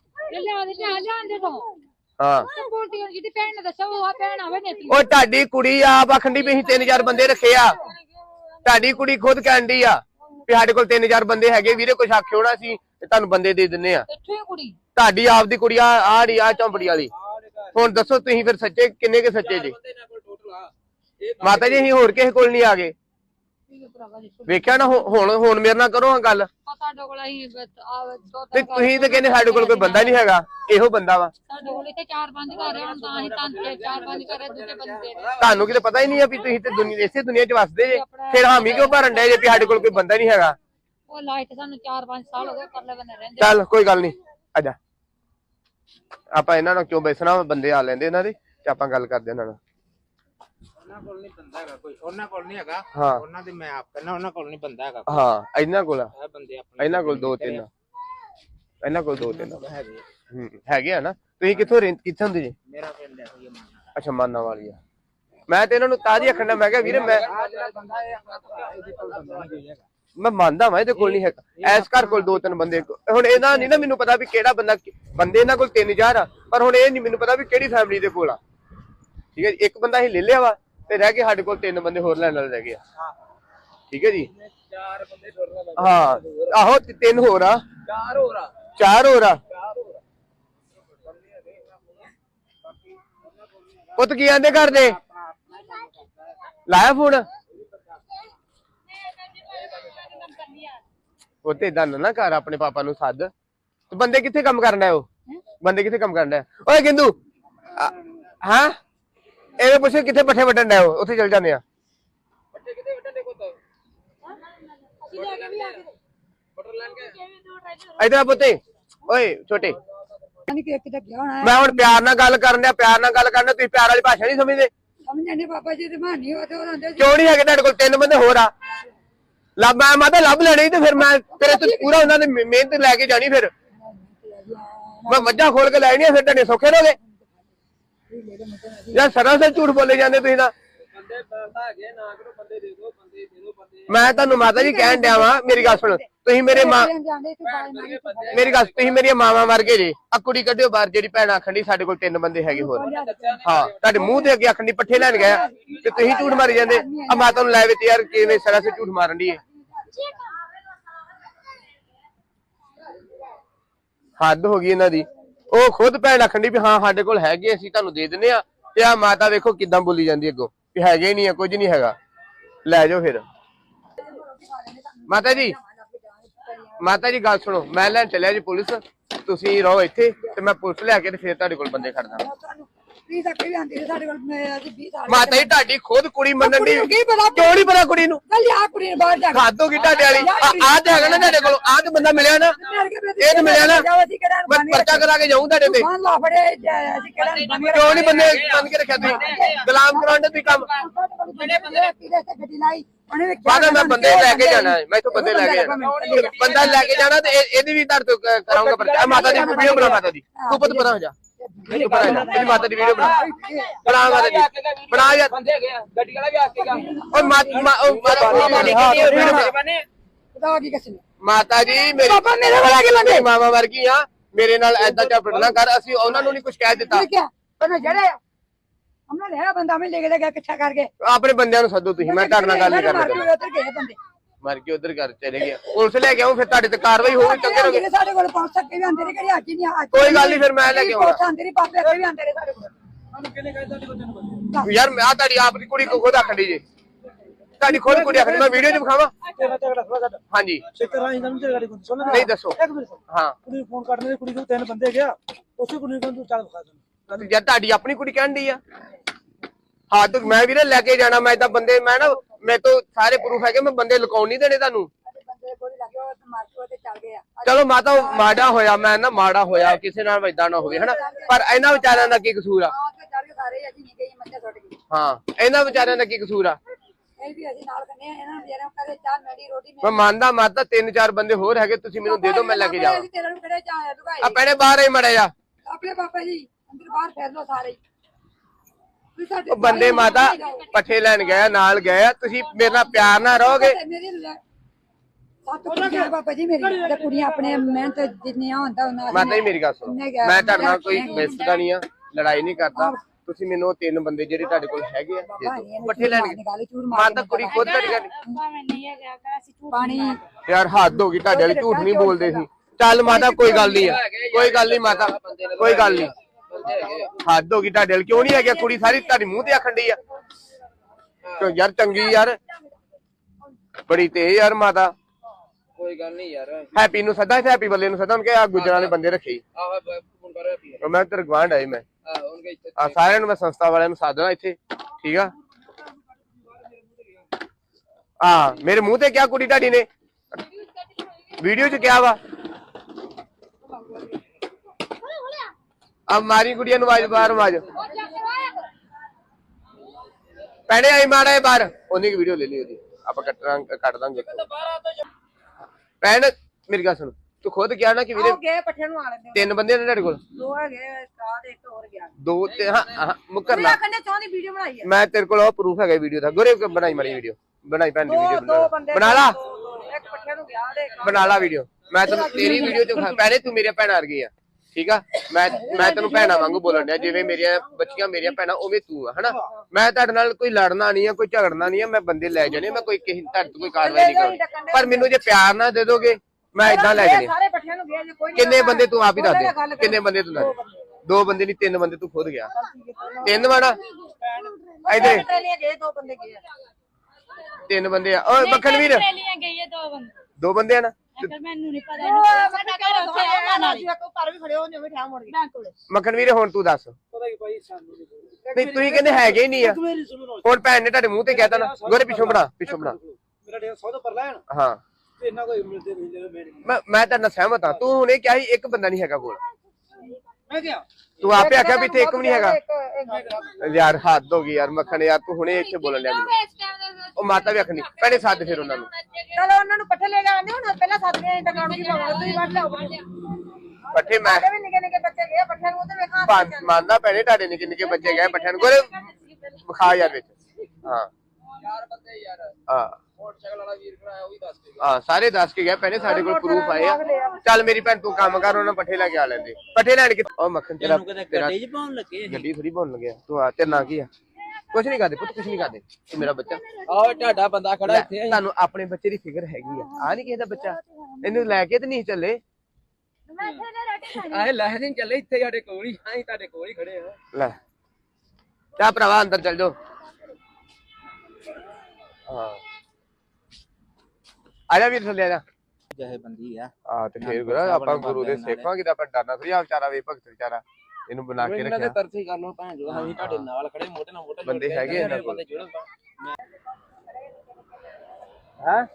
[SPEAKER 1] ਹਾਂ ਉਹ ਤੁਹਾਡੀ ਕੁੜੀ ਆਪ ਆਖੰਡੀ ਵੀ ਅਸੀਂ ਤਿੰਨ ਚਾਰ ਬੰਦੇ ਰੱਖੇ ਆ, ਤੁਹਾਡੀ ਕੁੜੀ ਖੁਦ ਕਹਿੰਦੀ ਆ ਵੀ ਸਾਡੇ ਕੋਲ ਤਿੰਨ ਚਾਰ ਬੰਦੇ ਹੈਗੇ, ਵੀਰੇ ਕੁਛ ਆਖਿਓ ਨਾ ਸੀ ਤੇ ਤੁਹਾਨੂੰ ਬੰਦੇ ਦੇ ਦਿੰਨੇ ਆ। ਤੁਹਾਡੀ ਆਪ ਦੀ ਕੁੜੀ ਆ ਆੜੀ ਆ ਝੌਂਪੜੀ ਵਾਲੀ। ਹੁਣ ਦੱਸੋ ਤੁਸੀਂ ਫਿਰ ਸੱਚੇ ਕਿੰਨੇ ਕੇ ਸੱਚੇ ਜੀ? ਮਾਤਾ ਜੀ ਅਸੀਂ ਹੋਰ ਕਿਸੇ ਕੋਲ ਨਹੀਂ ਆ ਗਏ, ਵੇਖਿਆ ਨਾ। ਹੁਣ ਹੁਣ ਮੇਰੇ ਨਾਲ ਕਰੋ ਗੱਲ, ਤੇ ਤੁਸੀਂ ਤੇ ਕਹਿੰਦੇ ਸਾਡੇ ਕੋਲ ਕੋਈ ਬੰਦਾ ਨਹੀਂ ਹੈਗਾ, ਇਹੋ ਬੰਦਾ ਵਾ। ਤੁਹਾਨੂੰ ਕਿਤੇ ਪਤਾ ਹੀ ਨਹੀਂ ਆ ਵੀ ਤੁਸੀਂ ਤੇ ਦੁਨੀਆ ਇਸੇ ਦੁਨੀਆ ਚ ਵਸਦੇ ਜੇ, ਫਿਰ ਹਾਮੀ ਕਿਉਂ ਭਰਨ ਡਏ ਜੇ ਵੀ ਸਾਡੇ ਕੋਲ ਕੋਈ ਬੰਦਾ ਨਹੀਂ ਹੈਗਾ? ਚੱਲ ਕੋਈ ਗੱਲ ਨੀ, ਆਜਾ ਆਪਾਂ ਇਹਨਾਂ ਨਾਲ ਕਿਉਂ ਬੈਸਣਾ, ਬੰਦੇ ਆ ਲੈਂਦੇ ਇਹਨਾਂ ਦੇ ਤੇ ਆਪਾਂ ਗੱਲ ਕਰਦੇ ਇਹਨਾਂ ਨਾਲ।
[SPEAKER 5] ਉਹਨਾਂ ਕੋਲ ਨਹੀਂ ਬੰਦਾ ਹੈਗਾ ਕੋਈ, ਉਹਨਾਂ ਕੋਲ ਨਹੀਂ ਹੈਗਾ,
[SPEAKER 1] ਹਾਂ
[SPEAKER 5] ਉਹਨਾਂ ਦੇ ਮੈਂ ਆਪ ਕਹਿੰਦਾ ਉਹਨਾਂ ਕੋਲ ਨਹੀਂ ਬੰਦਾ ਹੈਗਾ।
[SPEAKER 1] ਹਾਂ ਇਹਨਾਂ ਕੋਲ ਆ
[SPEAKER 5] ਇਹ ਬੰਦੇ ਆਪਣੇ,
[SPEAKER 1] ਇਹਨਾਂ ਕੋਲ ਦੋ ਤਿੰਨ ਇਹਨਾਂ ਕੋਲ ਦੋ ਤਿੰਨ
[SPEAKER 5] ਹੈਗੇ
[SPEAKER 1] ਹੂੰ ਹੈਗੇ ਆ ਨਾ। ਤੁਸੀਂ ਕਿੱਥੋਂ ਰਹਿੰ ਕਿੱਥੇ ਹੁੰਦੇ ਜੀ?
[SPEAKER 5] ਮੇਰਾ ਪਿੰਡ ਹੈ ਕੋਈ ਮੰਨਣਾ
[SPEAKER 1] ਅੱਛਾ ਮਾਨਾ ਵਾਲੀ ਆ। ਮੈਂ ਤੇ ਇਹਨਾਂ ਨੂੰ ਤਾਜ਼ੀ ਆਖਣਾ ਮੈਂ ਕਿਹਾ ਵੀਰੇ ਮੈਂ
[SPEAKER 5] ਆ ਜਿਹੜਾ ਬੰਦਾ ਹੈ ਇਹਦੇ ਕੋਲ ਬੰਦਾ ਨਹੀਂ ਕੋਈ ਹੈਗਾ।
[SPEAKER 1] ਮੈਂ ਮੰਨਦਾ ਵਾਂ ਇਹਦੇ ਕੋਲ ਨਹੀਂ ਹੈਗਾ। ਐਸ ਘਰ ਕੋਲ ਦੋ ਤਿੰਨ ਬੰਦੇ ਹੁਣ ਇਹਨਾਂ ਨਹੀਂ ਨਾ ਮੈਨੂੰ ਪਤਾ ਵੀ ਕਿਹੜਾ ਬੰਦਾ ਬੰਦੇ ਇਹਨਾਂ ਕੋਲ ਤਿੰਨ ਚਾਰ ਆ ਪਰ ਹੁਣ ਇਹ ਨਹੀਂ ਮੈਨੂੰ ਪਤਾ ਵੀ ਕਿਹੜੀ ਫੈਮਿਲੀ ਦੇ ਕੋਲ ਆ। ਠੀਕ ਹੈ ਜੀ ਇੱਕ ਬੰਦਾ ਅਸੀਂ ਲੈ ਲਿਆ ਵਾ ਤੇ ਰਹਿ ਗਏ ਸਾਡੇ ਕੋਲ ਤਿੰਨ ਬੰਦੇ ਹੋਰ ਲੈਣ ਵਾਲੇ ਰਹਿ ਗਏ ਆ। ਠੀਕ ਹੈ ਜੀ
[SPEAKER 5] ਚਾਰ ਬੰਦੇ ਟੁਰਨਾ
[SPEAKER 1] ਹਾਂ ਆਹੋ ਤਿੰਨ ਹੋਰ ਆ
[SPEAKER 5] ਚਾਰ ਹੋਰ ਆ
[SPEAKER 1] ਚਾਰ ਹੋਰ ਆ। ਪੁੱਤ ਕੀ ਆਂਦੇ ਘਰ ਦੇ ਲਾਇਆ ਫੋਨ ਉੱਤੇ ਏਦਾਂ ਨਾ ਕਰ ਆਪਣੇ ਪਾਪਾ ਨੂੰ ਸੱਦ ਤੇ ਬੰਦੇ ਕਿੱਥੇ ਕੰਮ ਕਰਨ ਡਿਆ ਉਹ ਬੰਦੇ ਕਿੱਥੇ ਕੰਮ ਕਰਨ ਡਿਆ ਓਏ ਗਿੰਦੂ ਹਾਂ ਇਹਨੇ ਪੁੱਛੇ ਕਿੱਥੇ ਪੱਠੇ ਵੱਢਣ ਡਿਆ ਉਹ ਉੱਥੇ ਚਲ ਜਾਂਦੇ ਆ
[SPEAKER 5] ਪੱਠੇ ਕਿੱਥੇ ਵੱਢਣ ਦੇ ਕੋਲ ਬਟਰ ਲੈਣ ਕੇ
[SPEAKER 1] ਇਧਰ ਆ ਪੁੱਤੇ ਓਏ ਛੋਟੇ
[SPEAKER 2] ਨਹੀਂ ਕਿ ਕਿਤੇ ਗਿਆ ਹੋਣਾ
[SPEAKER 1] ਮੈਂ ਹੁਣ ਪਿਆਰ ਨਾਲ ਗੱਲ ਕਰਨ ਡਿਆ ਪਿਆਰ ਨਾਲ ਗੱਲ ਕਰਨ ਡਿਆ ਤੁਸੀਂ ਪਿਆਰ ਵਾਲੀ ਭਾਸ਼ਾ ਨਹੀਂ ਸਮਝਦੇ
[SPEAKER 2] ਸਮਝਣੇ ਪਾਪਾ ਜੀ ਤੇ ਮਾਨੀ ਹੋ ਤੇ ਉਹਨਾਂ ਦੇ
[SPEAKER 1] ਕਿਉਂ ਨਹੀਂ ਹੈਗੇ ਤੁਹਾਡੇ ਕੋਲ ਤਿੰਨ ਬੰਦੇ ਹੋਰ ਆ ਲੱਭ ਮੈਂ ਮਾਤਾ ਲੱਭ ਲੈਣੀ ਤੇ ਫਿਰ ਮੈਂ ਤੇਰੇ ਤੋਂ ਪੂਰਾ ਉਹਨਾਂ ਦੀ ਮਿਹਨਤ ਲੈ ਕੇ ਜਾਣੀ ਫਿਰ ਮੈਂ ਮੱਝਾਂ ਖੋਲ ਕੇ ਲੈਣੀਆਂ ਫਿਰ ਤੁਹਾਡੇ ਸੌਖੇ ਰਹੋਗੇ ਯਾਰ ਸਰਾਸਰ ਝੂਠ ਬੋਲੇ ਜਾਂਦੇ ਤੁਸੀਂ ਤਾਂ
[SPEAKER 5] ਬੰਦੇ ਪਤਾ ਹੈਗੇ ਨਾ ਕਰੋ ਬੰਦੇ ਦੇ ਦਿਓ ਬੰਦੇ ਦੇ ਦਿਓ ਬੰਦੇ
[SPEAKER 1] ਮੈਂ ਤੁਹਾਨੂੰ ਮਾਤਾ ਜੀ ਕਹਿਣ ਡਿਆ ਵਾਂ ਮੇਰੀ ਗੱਲ ਸੁਣੋ ਤੁਸੀਂ ਮੇਰੇ ਮਾਂ ਮੇਰੀ ਗੱਲ ਤੁਸੀਂ ਮੇਰੀਆਂ ਮਾਵਾਂ ਵਰਗੇ ਜੇ ਆ ਕੁੜੀ ਕੱਢਿਓ ਬਾਹਰ ਜਿਹੜੀ ਭੈਣ ਆਖਣ ਦੀ ਸਾਡੇ ਕੋਲ ਤਿੰਨ ਬੰਦੇ ਹੈਗੇ ਹੋਰ ਹਾਂ ਤੁਹਾਡੇ ਮੂੰਹ ਦੇ ਅੱਗੇ ਆਖਣ ਦੀ ਪੱਠੇ ਲੈਣ ਗਿਆ ਤੇ ਤੁਸੀਂ ਝੂਠ ਮਾਰੀ ਜਾਂਦੇ ਆ ਮਾਤਾ ਨੂੰ ਲੈ ਵਿੱਚ ਯਾਰ ਕਿਵੇਂ ਸਰਾਸਰ ਝੂਠ ਮਾਰਨ ਦੀ ਹੈ ਹੱਦ ਹੋ ਗਈ ਇਹਨਾਂ ਦੀ ਉਹ ਖੁਦ ਭੈਣ ਆਖਣ ਦੀ ਵੀ ਹਾਂ ਸਾਡੇ ਕੋਲ ਹੈਗੇ ਅਸੀਂ ਤੁਹਾਨੂੰ ਦੇ ਦਿੰਦੇ ਆ ਤੇ ਆ ਮਾਤਾ ਵੇਖੋ ਕਿਦਾਂ ਬੋਲੀ ਜਾਂਦੀ ਅੱਗੋਂ ਵੀ ਹੈਗੇ ਨਹੀਂ ਆ ਕੁਝ ਨਹੀਂ ਹੈਗਾ ਲੈ ਜਾਓ ਫਿਰ ਮਾਤਾ ਜੀ ਮਾਤਾ ਜੀ ਗੱਲ ਸੁਣੋ ਮੈਂ ਲੈਣ ਚੱਲਿਆ ਜੀ ਪੁਲਿਸ ਤੁਸੀਂ ਰਹੋ ਇੱਥੇ ਤੇ ਮੈਂ ਪੁਲਿਸ ਲਿਆ ਕੇ ਤੇ ਫਿਰ ਤੁਹਾਡੇ ਕੋਲ ਬੰਦੇ ਖੜਦਾ
[SPEAKER 2] ਵੀਹ ਤੱਕ ਵੀ ਆਂਦੀ ਸਾਡੇ ਕੋਲ ਅਸੀਂ ਵੀਹ ਸਾਲ
[SPEAKER 1] ਮਾਤਾ ਜੀ ਤੁਹਾਡੀ ਖੁਦ ਕੁੜੀ ਮੰਨਣ ਦੀ
[SPEAKER 2] ਕੀ ਪਤਾ
[SPEAKER 1] ਕਿਉਂ ਨਹੀਂ ਪਤਾ ਕੁੜੀ ਨੂੰ
[SPEAKER 2] ਚੱਲ ਆ ਕੁੜੀ ਨੂੰ ਬਾਹਰ ਜਾ ਕੇ
[SPEAKER 1] ਖਾਦ ਹੋਗੀ ਤੁਹਾਡੇ ਵਾਲੀ ਆਹ ਤੇ ਹੈਗਾ ਨਾ ਤੁਹਾਡੇ ਕੋਲ ਆਹ ਤੇ ਬੰਦਾ ਮਿਲਿਆ ਨਾ ਇਹ ਤੇ ਮਿਲਿਆ ਨਾ ਮੈਂ ਪਰਚਾ ਕਰਾ ਕੇ ਜਾਊਂ ਤੁਹਾਡੇ ਤੇ
[SPEAKER 2] ਮਾਨ ਲਾ ਫੜੇ ਅਸੀਂ ਕਿਹੜਾ ਬਣ
[SPEAKER 1] ਕਿਉਂ ਨਹੀਂ ਬੰਦੇ ਬੰਨ ਕੇ ਰੱਖਿਆ ਤੁਸੀਂ ਗੁਲਾਮ ਕਰਾਉਣ ਦੇ ਤੁਸੀਂ ਕੰਮ
[SPEAKER 2] ਕਿਹਦੇ ਤੇ ਗੱਡੀ ਲਾਈ ਉਹਨੇ
[SPEAKER 1] ਬਾਅਦ ਮੈਂ ਬੰਦੇ ਲੈ ਕੇ ਜਾਣਾ ਹੈ ਮੈਂ ਇੱਥੋਂ ਬੰਦੇ ਲੈ ਕੇ ਜਾਣਾ ਬੰਦਾ ਲੈ ਕੇ ਜਾਣਾ ਤੇ ਇਹਦੀ ਵੀ ਤੁਹਾਡੇ ਤੋਂ ਕਰਾਉਂਗਾ ਪਰਚਾ ਮਾਤਾ ਦੀ ਵੀਡੀਓ ਬਣਾ ਮਾਤਾ ਦੀ ਤੂੰ ਪੁੱਤ ਪਰਾਂ ਹੋ ਜਾ ਤੂੰ ਪਰਾਂ ਜਾ ਇਹਦੀ ਮਾਤਾ ਦੀ ਵੀਡੀਓ ਬਣਾ ਬਣਾ ਮਾਤਾ ਦੀ ਬਣਾ ਯਾਰ
[SPEAKER 5] ਬੰਦੇ ਹੈਗੇ ਆ ਗੱਡੀ ਵਾਲਾ ਵੀ ਆ ਕੇ ਗਿਆ
[SPEAKER 1] ਓਏ
[SPEAKER 2] ਪਤਾ ਕੀ ਕਿਸੇ
[SPEAKER 1] ਮਾਤਾ ਜੀ ਮੇਰੀ
[SPEAKER 2] ਪਾਪਾ ਮੇਰੇ ਵਾਲਾ ਕੀ ਬੰਦੇ
[SPEAKER 1] ਮਾਮਾ ਵਰਗੀ ਆ ਮੇਰੇ ਨਾਲ ਐਦਾਂ ਝਪਟ ਨਾ ਕਰ ਅਸੀਂ ਉਹਨਾਂ ਨੂੰ ਨਹੀਂ ਕੁਝ ਕਹਿ ਦਿੱਤਾ
[SPEAKER 2] ਕੀ ਉਹਨੇ ਜੜਿਆ ਹਮਨੇ ਲਿਆ ਬੰਦਾ ਮੈਂ ਲੈ ਕੇ ਗਿਆ ਕਿੱਥਾ ਕਰਕੇ
[SPEAKER 1] ਆਪਣੇ ਬੰਦਿਆਂ ਨੂੰ ਸੱਦੋ ਤੁਸੀਂ ਮੈਂ ਤੁਹਾਡੇ ਨਾਲ ਗੱਲ ਨਹੀਂ ਕਰਦਾ
[SPEAKER 2] ਉਧਰ ਗਏ ਬੰਦੇ
[SPEAKER 1] ਮਰ ਕੇ ਉਧਰ ਘਰ ਚਲੇ ਗਿਆ ਪੁਲਿਸ ਲੈ ਕੇ ਆਉਂ ਫਿਰ ਤੁਹਾਡੇ ਤੇ ਕਾਰਵਾਈ ਹੋਊਗੀ ਚੰਗੇ ਰਹੋਗੇ
[SPEAKER 2] ਜਿਹੜੇ ਸਾਡੇ ਕੋਲ ਪਹੁੰਚ ਸਕੇ ਵੀ ਆਂਦੇ ਨੇ ਕਿਹੜੀ ਅੱਜ ਨਹੀਂ ਅੱਜ
[SPEAKER 1] ਕੋਈ ਗੱਲ ਨਹੀਂ ਫਿਰ ਮੈਂ ਲੈ ਕੇ ਆਉਂਗਾ
[SPEAKER 2] ਆਂਦੇ ਨੇ ਪਾਪੇ ਅੱਗੇ ਵੀ ਆਂਦੇ ਨੇ ਸਾਡੇ ਕੋਲ
[SPEAKER 5] ਤੁਹਾਨੂੰ ਕਿਹਨੇ ਕਹਿੰਦਾ ਤੁਹਾਡੇ ਕੋਲ ਤਿੰਨ ਬੰਦੇ
[SPEAKER 1] ਯਾਰ ਮੈਂ ਤੁਹਾਡੀ ਆਪ ਦੀ ਕੁੜੀ ਕੋ ਖੁਦ ਆਖਣ ਦੀ ਜੇ ਤੁਹਾਡੀ ਖੁਦ ਕੁੜੀ ਆਖਣ ਮੈਂ ਵੀਡੀਓ 'ਚ ਵਿਖਾਵਾਂ
[SPEAKER 5] ਤੇਰਾ ਝਗੜਾ ਥੋੜਾ ਸਾਡਾ
[SPEAKER 1] ਹਾਂਜੀ
[SPEAKER 5] ਸਿੱਕਰ ਆਈ ਨਾ ਮੇਰੇ ਗਾੜੀ ਕੋਲ ਸੁਣ
[SPEAKER 1] ਨਹੀਂ ਦੱਸੋ
[SPEAKER 5] ਇੱਕ ਮਿੰਟ
[SPEAKER 1] ਹਾਂ
[SPEAKER 5] ਕੁੜੀ ਫੋਨ ਕੱਟਨੇ ਦੀ ਕੁੜੀ ਕੋਲ ਤਿੰਨ ਬੰਦੇ ਗਿਆ ਉਸੇ ਕੁੜੀ ਨੂੰ ਤੂੰ ਚੱਲ ਵਿਖਾ ਦੇ
[SPEAKER 1] ਯਾਰ ਤੁਹਾਡੀ ਆਪਣੀ ਕੁੜੀ ਕਹਿਣ ਦੀ ਆ ਹਾਂ ਤੇ ਮੈਂ ਵੀਰੇ ਲੈ ਕੇ ਜਾਣਾ ਮੈਂ ਤਾਂ ਬੰਦੇ ਮੈਂ ਨਾ ਮੇਰੇ ਤੋਂ ਸਾਰੇ ਪ੍ਰੂਫ ਹੈਗੇ ਮੈਂ ਬੰਦੇ ਲੁਕਾਉਣ ਨਹੀਂ ਦੇਣੇ ਤੁਹਾਨੂੰ
[SPEAKER 2] ਬੰਦੇ ਕੋਲ ਲੱਗੇ ਉਹ ਮਾਰਕੋ ਤੇ ਚੱਲ ਗਿਆ
[SPEAKER 1] ਚਲੋ ਮਾਤਾ ਮਾੜਾ ਹੋਇਆ ਮੈਂ ਨਾ ਮਾੜਾ ਹੋਇਆ ਕਿਸੇ ਨਾਲ ਏਦਾਂ ਨਾ ਹੋਵੇ ਹਨਾ ਪਰ ਇਹਨਾਂ ਵਿਚਾਰਿਆਂ ਦਾ ਕੀ ਕਸੂਰ ਆ
[SPEAKER 2] ਆ ਕੇ ਚੜ ਕੇ ਸਾਰੇ ਅਸੀਂ ਨਹੀਂ ਗਏ ਮੱਝਾਂ ਛੁੱਟ ਗਈ
[SPEAKER 1] ਹਾਂ ਇਹਨਾਂ ਵਿਚਾਰਿਆਂ ਦਾ ਕੀ ਕਸੂਰ ਆ
[SPEAKER 2] ਇਹ ਵੀ ਅਸੀਂ ਨਾਲ ਕੰਨੇ ਇਹਨਾਂ ਨੂੰ ਵਿਚਾਰਿਆਂ ਕਰੇ ਚਾਹ ਮੈਡੀ ਰੋਟੀ
[SPEAKER 1] ਮੈਂ ਮੰਨਦਾ ਮਾਤਾ ਤਿੰਨ ਚਾਰ ਬੰਦੇ ਹੋਰ ਹੈਗੇ ਤੁਸੀਂ ਮੈਨੂੰ ਦੇ ਦਿਓ ਮੈਂ ਲੈ ਕੇ ਜਾਵਾਂ
[SPEAKER 2] ਤੇਰੇ ਨੂੰ ਕਿਹੜੇ ਚਾਹ ਦੁਕਾਈ
[SPEAKER 1] ਆ ਪਹਿਲੇ ਬਾਹਰ ਹੀ ਮੜਿਆ ਜਾ
[SPEAKER 2] ਆਪਣੇ ਪਾਪਾ ਜੀ ਅੰਦਰ ਬਾਹਰ ਫੇਰ ਲੋ ਸਾਰੇ
[SPEAKER 1] ਉਹ ਬੰਦੇ ਮਾਤਾ ਪੱਠੇ ਲੈਣ ਗਏ ਨਾਲ ਗਏ ਤੁਸੀਂ ਮੇਰੇ ਨਾਲ ਪਿਆਰ ਨਾਲ ਰਹੋਗੇ
[SPEAKER 2] ਮੇਰੀ ਸੱਤ ਕੁੜੀਆਂ ਪਾਪਾ ਜੀ ਮੇਰੀ ਤੇ ਕੁੜੀਆਂ ਆਪਣੇ ਮਿਹਨਤ ਜਿੰਨੀਆਂ ਹੁੰਦਾ ਉਹਨਾਂ
[SPEAKER 1] ਮਾਤਾ ਜੀ ਮੇਰੀ ਗੱਲ ਸੁਣੋ ਮੈਂ ਤੁਹਾਡੇ ਨਾਲ ਕੋਈ ਮਿਸਦਾ ਨਹੀਂ ਆ ਲੜਾਈ ਨਹੀਂ ਕਰਦਾ ਤੁਸੀਂ ਮੈਨੂੰ ਤਿੰਨ ਬੰਦੇ ਜਿਹੜੇ ਤੁਹਾਡੇ ਕੋਲ ਹੈਗੇ ਆ ਪੱਠੇ ਲੈਣ ਮਾਤਾ ਕੁੜੀ ਖੁਦ ਤੁਹਾਡੀ ਗੱਲ
[SPEAKER 3] ਭਾਵੇਂ ਨਹੀਂ ਹੈਗਾ ਕਰ ਅਸੀਂ ਝੂਠ
[SPEAKER 2] ਪਾਣੀ
[SPEAKER 1] ਯਾਰ ਹੱਦ ਹੋ ਗਈ ਤੁਹਾਡੇ ਵਾਲੀ ਝੂਠ ਨਹੀਂ ਬੋਲਦੇ ਸੀ ਚੱਲ ਮਾਤਾ ਕੋਈ ਗੱਲ ਨਹੀਂ ਆ ਕੋਈ ਗੱਲ ਨਹੀਂ ਮਾਤਾ ਕੋਈ ਗੱਲ ਨਹੀਂ ਹੱਦ ਹੋ ਗਈ ਤੁਹਾਡੇ ਵਾਲੀ ਕਿਉਂ ਨਹੀਂ ਹੈਗਾ ਕੁੜੀ ਸਾਰੀ ਤੁਹਾਡੀ ਮੂੰਹ ਤੇ ਆਖਣ ਡਈ ਆ ਕਿਉਂ ਯਾਰ ਚੰਗੀ ਯਾਰ ਬੜੀ ਤੇਜ਼ ਯਾਰ ਮਾਤਾ
[SPEAKER 5] ਕੋਈ ਗੱਲ ਨਹੀਂ ਯਾਰ
[SPEAKER 1] ਹੈਪੀ ਨੂੰ ਸੱਦਾ ਹੈਪੀ ਬੱਲੇ ਨੂੰ ਸੱਦਾ ਉਹਨ ਕਿਹਾ ਗੁਜਰਾਂ ਵਾਲੇ ਬੰਦੇ ਰੱਖੇ
[SPEAKER 5] ਆਹ ਫੋਨ ਕਰ ਰਿਹਾ ਪੀ
[SPEAKER 1] ਮੈਂ ਤੇਰੇ ਗਵਾਂਢ ਆਈ ਮੈਂ
[SPEAKER 5] ਆਹ ਉਹਨਗੇ ਇੱਥੇ
[SPEAKER 1] ਆ ਸਾਰਿਆਂ ਨੂੰ ਮੈਂ ਸੰਸਥਾ ਵਾਲਿਆਂ ਨੂੰ ਸਾਧਣਾ ਇੱਥੇ ਠੀਕ ਆ ਆ ਮੇਰੇ ਮੂੰਹ ਤੇ ਕਿਹਾ ਕੁੜੀ ਤੁਹਾਡੀ ਨੇ ਵੀਡੀਓ 'ਚ ਕਿਹਾ ਵਾ ਆ ਮਾਰੀ ਕੁੜੀਆਂ ਨੂੰ ਆਵਾਜ਼ ਬਾਹਰ ਆਵਾਜ਼ ਪੈਣੇ ਆਈ ਮਾੜਾ ਬਾਹਰ ਉਹਨੀ ਕੀ ਵੀਡੀਓ ਲੈ ਲਈ ਉਹਦੀ ਆਪਾਂ ਕੱਟਾਂ ਕੱਟ ਦਾਂਗੇ ਭੈਣ ਮੇਰੀ ਗੱਲ ਸੁਣ ਤੂੰ ਖੁਦ ਕਿਹਾ ਨਾ ਕਿ ਵੀਰੇ
[SPEAKER 4] ਉਹ ਗਏ ਪੱਠੇ ਨੂੰ ਆ ਲੈਂਦੇ
[SPEAKER 1] ਤਿੰਨ ਬੰਦੇ ਨੇ ਤੁਹਾਡੇ ਕੋਲ
[SPEAKER 4] ਦੋ ਹੈਗੇ ਸਟਾਰ ਦੇ ਇੱਕ ਹੋਰ ਗਿਆ
[SPEAKER 1] ਦੋ ਤੇ ਹਾਂ ਹਾਂ, ਮੁੱਕਰ
[SPEAKER 4] ਮੇਰਾ
[SPEAKER 1] ਲਾ
[SPEAKER 4] ਕੰਨੇ ਚਾਹੁੰਦੀ ਵੀਡੀਓ ਬਣਾਈ ਹੈ
[SPEAKER 1] ਮੈਂ ਤੇਰੇ ਕੋਲ ਉਹ ਪ੍ਰੂਫ ਹੈਗਾ ਵੀਡੀਓ ਦਾ ਗੋਰੇ ਬਣਾਈ ਮਾਰੀ ਵੀਡੀਓ ਬਣਾਈ ਭੈਣ ਦੀ
[SPEAKER 4] ਦੋ
[SPEAKER 1] ਵੀਡੀਓ
[SPEAKER 4] ਦੋ ਬੰਦੇ
[SPEAKER 1] ਬਣਾ ਲਾ
[SPEAKER 4] ਦੋ- ਦੋ- ਇੱਕ ਪੱਠੇ ਨੂੰ ਗਿਆ ਤੇ ਇੱਕ
[SPEAKER 1] ਬਣਾ ਲਾ ਵੀਡੀਓ ਮੈਂ ਤੈਨੂੰ ਤੇਰੀ ਵੀਡੀਓ ਚ ਪਹਿਲੇ ਤੂੰ ਮੇਰੇ ਭੈਣ ਵਰਗੀ ਆ ਠੀਕ ਆ ਮੈਂ ਮੈਂ ਤੈਨੂੰ ਭੈਣਾ ਵਾਂਗੂ ਬੋਲਣ ਡਿਆ ਜਿਵੇਂ ਮੇਰੀਆਂ ਬੱਚੀਆਂ ਮੇਰੀਆਂ ਭੈਣਾਂ ਉਵੇਂ ਤੂੰ ਆ ਹਨਾ ਮੈਂ ਤੁਹਾਡੇ ਨਾਲ ਕੋਈ ਲੜਨਾ ਨਹੀਂ ਆ ਕੋਈ ਝਗੜਨਾ ਨਹੀਂ ਆ ਮੈਂ ਬੰਦੇ ਲੈ ਜਾਣੇ ਮੈਂ ਕੋਈ ਕਿਸੇ ਤੁਹਾਡੇ ਤੋਂ ਕੋਈ ਕਾਰਵਾਈ ਨਹੀਂ ਕਰਨੀ ਪਰ ਮੈਨੂੰ ਜੇ ਪਿਆਰ ਨਾ ਦੇ ਦੋਗੇ ਮੈਂ ਇਦਾਂ ਲੈ ਜਾਣੇ
[SPEAKER 4] ਸਾਰੇ ਪੱਠਿਆਂ ਨੂੰ ਗਿਆ ਜੇ ਕੋਈ
[SPEAKER 1] ਕਿੰਨੇ ਬੰਦੇ ਤੂੰ ਆਪ ਹੀ ਦੱਸ ਦੇ ਕਿੰਨੇ ਬੰਦੇ ਤੂੰ ਦੱਸ ਦੋ ਬੰਦੇ ਨਹੀਂ ਤਿੰਨ ਬੰਦੇ ਤੂੰ ਖੁਦ ਗਿਆ ਤਿੰਨ ਵਾਣਾ ਇਧਰ
[SPEAKER 4] ਟ੍ਰੇਲੀਆਂ ਗਏ ਦੋ ਬੰਦੇ ਗਏ
[SPEAKER 1] ਤਿੰਨ ਬੰਦੇ ਆ ਓਏ ਮੱਖਣ ਵੀਰ
[SPEAKER 3] ਟ੍ਰੇਲੀਆਂ ਗਈ ਹੈ ਦੋ ਬੰਦੇ
[SPEAKER 1] ਦੋ ਬੰਦੇ ਆ ਨਾ
[SPEAKER 3] ਅੰਕਲ ਮੈਨੂੰ ਨਹੀਂ ਪਤਾ ਇਹਨੂੰ ਸਾਡਾ ਘਰ ਉੱਥੇ ਆ ਮਾਨਾ
[SPEAKER 4] ਜੀ ਕੋ ਪਰ ਵੀ ਖੜੇ ਹੋ ਜਿਵੇਂ ਠਾ ਮੁੜ ਗਏ
[SPEAKER 3] ਬੈਂਕ ਕੋਲੇ
[SPEAKER 1] ਮੱਖਣ ਵੀਰ ਹੁਣ ਤੂੰ ਦੱਸ
[SPEAKER 5] ਪਤਾ ਕੀ ਭਾਈ ਸਾਨੂੰ ਨਹੀਂ
[SPEAKER 1] ਨਹੀਂ ਤੁਸੀਂ ਕਹਿੰਦੇ ਹੈਗੇ ਹੀ ਨਹੀਂ ਆ
[SPEAKER 5] ਮੇਰੀ ਸੁਣੋ ਨਾ
[SPEAKER 1] ਹੁਣ ਭੈਣ ਨੇ ਤੁਹਾਡੇ ਮੂੰਹ ਤੇ ਕਹਿਤਾ ਨਾ ਗੋਰੇ ਪਿੱਛੋਂ ਬਣਾ ਪਿੱਛੋਂ ਬਣਾ
[SPEAKER 5] ਮੇਰਾ ਡੇ ਸੌਦਾ ਪਰ ਲੈਣ
[SPEAKER 1] ਹਾਂ
[SPEAKER 5] ਤੇ ਇੰਨਾ ਕੋਈ ਮਿਲਦੇ ਨਹੀਂ ਜਿਹੜੇ ਮੇਰੇ
[SPEAKER 1] ਮੈਂ ਮੈਂ ਤੁਹਾਡੇ ਨਾਲ ਸਹਿਮਤ ਹਾਂ ਤੂੰ ਹੁਣੇ ਕਿਹਾ ਸੀ ਇੱਕ ਬੰਦਾ ਨਹੀਂ ਹੈਗਾ ਕੋਲ
[SPEAKER 5] ਮੈਂ ਕਿਹਾ
[SPEAKER 1] ਤੂੰ ਆਪੇ ਆਖਿਆ ਵੀ ਇੱਥੇ ਇੱਕ ਵੀ ਨਹੀਂ ਹੈਗਾ
[SPEAKER 4] ਇੱਕ
[SPEAKER 1] ਯਾਰ ਹੱਦ ਹੋ ਗਈ ਯਾਰ ਮੱਖਣ ਯਾਰ ਤੂੰ ਹੁਣੇ ਇੱਥੇ ਬੋਲਣ ਲਿਆ ਮੈਨੂੰ
[SPEAKER 3] ਇਸ ਟਾਈਮ
[SPEAKER 1] ਉਹ ਮਾਤਾ ਵੀ ਆਖਣੀ ਪਹਿਲੇ ਸੱਦ ਫਿਰ ਉਹਨਾਂ ਨੂੰ
[SPEAKER 4] ਚਲੋ ਉਹਨਾਂ ਨੂੰ ਪੱਠੇ ਲੈ ਜਾਂਦੇ ਹੁਣ ਪਹਿਲਾਂ ਸੱਦ ਗਏ ਤਾਂ ਕਾਣੂ ਕੀ ਪਾਉਣਾ ਤੁਸੀਂ ਵੱਢ ਲਓ ਪੱਠੇ
[SPEAKER 1] ਪੱਠੇ ਮੈਂ
[SPEAKER 4] ਵੀ ਨਿੱਕੇ ਨਿੱਕੇ ਬੱਚੇ ਗਏ ਪੱਠਿਆਂ ਨੂੰ ਉਧਰ ਵੇਖਾਂ
[SPEAKER 1] ਭਾ- ਮੰਨਦਾ ਭੈਣੇ ਤੁਹਾਡੇ ਨਿੱਕੇ ਨਿੱਕੇ ਬੱਚੇ ਗਏ ਪੱਠਿਆਂ ਨੂੰ ਗੋਰੇ ਵਿਖਾ ਯਾਰ ਵਿੱਚ ਹਾਂ
[SPEAKER 5] ਚਾਰ ਬੰਦੇ ਯਾਰ
[SPEAKER 1] ਹਾਂ
[SPEAKER 5] ਮੋਟਰਸਾਈਕਲ ਵਾਲਾ ਵੀਰ ਕਰਾਇਆ ਉਹ ਵੀ ਦੱਸ ਦੇ
[SPEAKER 1] ਹਾਂ ਸਾਰੇ ਦੱਸ ਕੇ ਗਏ ਭੈਣੇ ਸਾਡੇ ਕੋਲ ਪ੍ਰੂਫ ਆਏ ਆ ਚੱਲ ਮੇਰੀ ਭੈਣ ਤੂੰ ਕੰਮ ਕਰ ਉਹਨਾਂ ਪੱਠੇ ਲੈ ਕੇ ਆ ਲੈਂਦੇ ਪੱਠੇ ਲੈਣ ਕਿ ਉਹ ਮੱਖਣ ਤੇਰਾ ਤੇਰਾ
[SPEAKER 5] ਗੱਡੀ 'ਚ ਪਾਉਣ ਲੱਗੇ
[SPEAKER 1] ਗੱਡੀ ਥੋੜੀ ਬੋਲਣ ਲੱਗਿਆ ਤੂੰ ਆ ਤੇਰਾ ਨਾਂ ਕੀ ਆ ਕੁਛ ਨਹੀਂ ਕਰਦੇ ਪੁੱਤ ਕੁਛ ਨਹੀਂ ਕਰਦੇ ਤੂੰ ਮੇਰਾ ਬੱਚਾ
[SPEAKER 5] ਆਹ ਤੁਹਾਡਾ ਬੰਦਾ ਖੜਾ ਇੱਥੇ
[SPEAKER 1] ਤੁਹਾਨੂੰ ਆਪਣੇ ਬੱਚੇ ਦੀ ਫਿਕਰ ਹੈਗੀ ਆ ਆ ਨਹੀਂ ਕਿਸੇ ਦਾ ਬੱਚਾ ਇਹਨੂੰ ਲੈ ਕੇ ਤੇ ਨਹੀਂ ਚੱਲੇ
[SPEAKER 3] ਮੈਂ ਇੱਥੇ ਨਾ ਰੋਟੀ ਖਾਣੀ
[SPEAKER 5] ਆਏ ਲੈ ਨਹੀਂ ਚੱਲੇ ਇੱਥੇ ਸਾਡੇ ਕੋਲ ਹੀ ਆਏ ਤੁਹਾਡੇ ਕੋਲ ਹੀ ਖੜੇ ਆ
[SPEAKER 1] ਲੈ ਚਾ ਭਰਾਵਾ ਅੰਦਰ ਚੱਲ ਜਾਓ ਹਾਂ ਆ ਜਾ ਵੀਰ ਥੱਲੇ ਆ ਜਾ
[SPEAKER 5] ਜਹੇ ਬੰਦੀ ਆ
[SPEAKER 1] ਆ ਤੇ ਫੇਰ ਗੁਰਾ ਆਪਾਂ ਗੁਰੂ ਦੇ ਸੇਖਾਂ ਕਿਦਾ ਆਪਾਂ ਡਰਨਾ ਥੋੜੀ ਆ ਵਿਚਾਰਾ ਵੇ ਭਗਤ ਵਿਚਾਰਾ ਇਹਨੂੰ ਬਣਾ ਕੇ
[SPEAKER 5] ਇਹਨਾਂ ਦੇ
[SPEAKER 1] ਰੱਖਿਆ
[SPEAKER 5] ਤਰਸੇ ਕਰ ਲੋ ਭੈਣ ਜੋ ਅਸੀਂ ਤੁਹਾਡੇ ਨਾਲ ਖੜੇ ਮੋਢੇ ਨਾਲ ਮੋਢਾ
[SPEAKER 1] ਬੰਦੇ ਹੈਗੇ ਇਹਨਾਂ ਕੋਲ।
[SPEAKER 5] ਜੁੜੋ
[SPEAKER 1] ਹਾਂ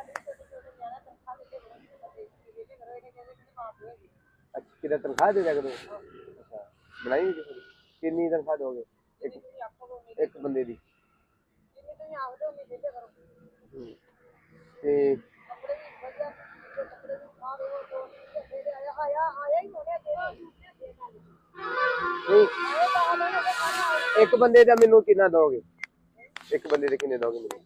[SPEAKER 1] ਅੱਛਾ ਕਿਹਦਾ ਤਨਖਾਹ ਦੇ ਦਿਆ ਕਰੋ ਅੱਛਾ ਬਣਾਈ ਨਹੀਂ ਕਿਸੇ ਦੀ? ਕਿੰਨੀ ਤਨਖਾਹ ਦੋਗੇ ਇੱਕ ਇੱਕ ਬੰਦੇ ਦੀ ਹੂੰ। ਤੇ ਨਹੀਂ ਇੱਕ ਬੰਦੇ ਦਾ ਮੈਨੂੰ ਕਿੰਨਾ ਦੋਗੇ ਇੱਕ ਬੰਦੇ ਦੇ ਕਿੰਨੇ ਦੋਗੇ ਮੈਨੂੰ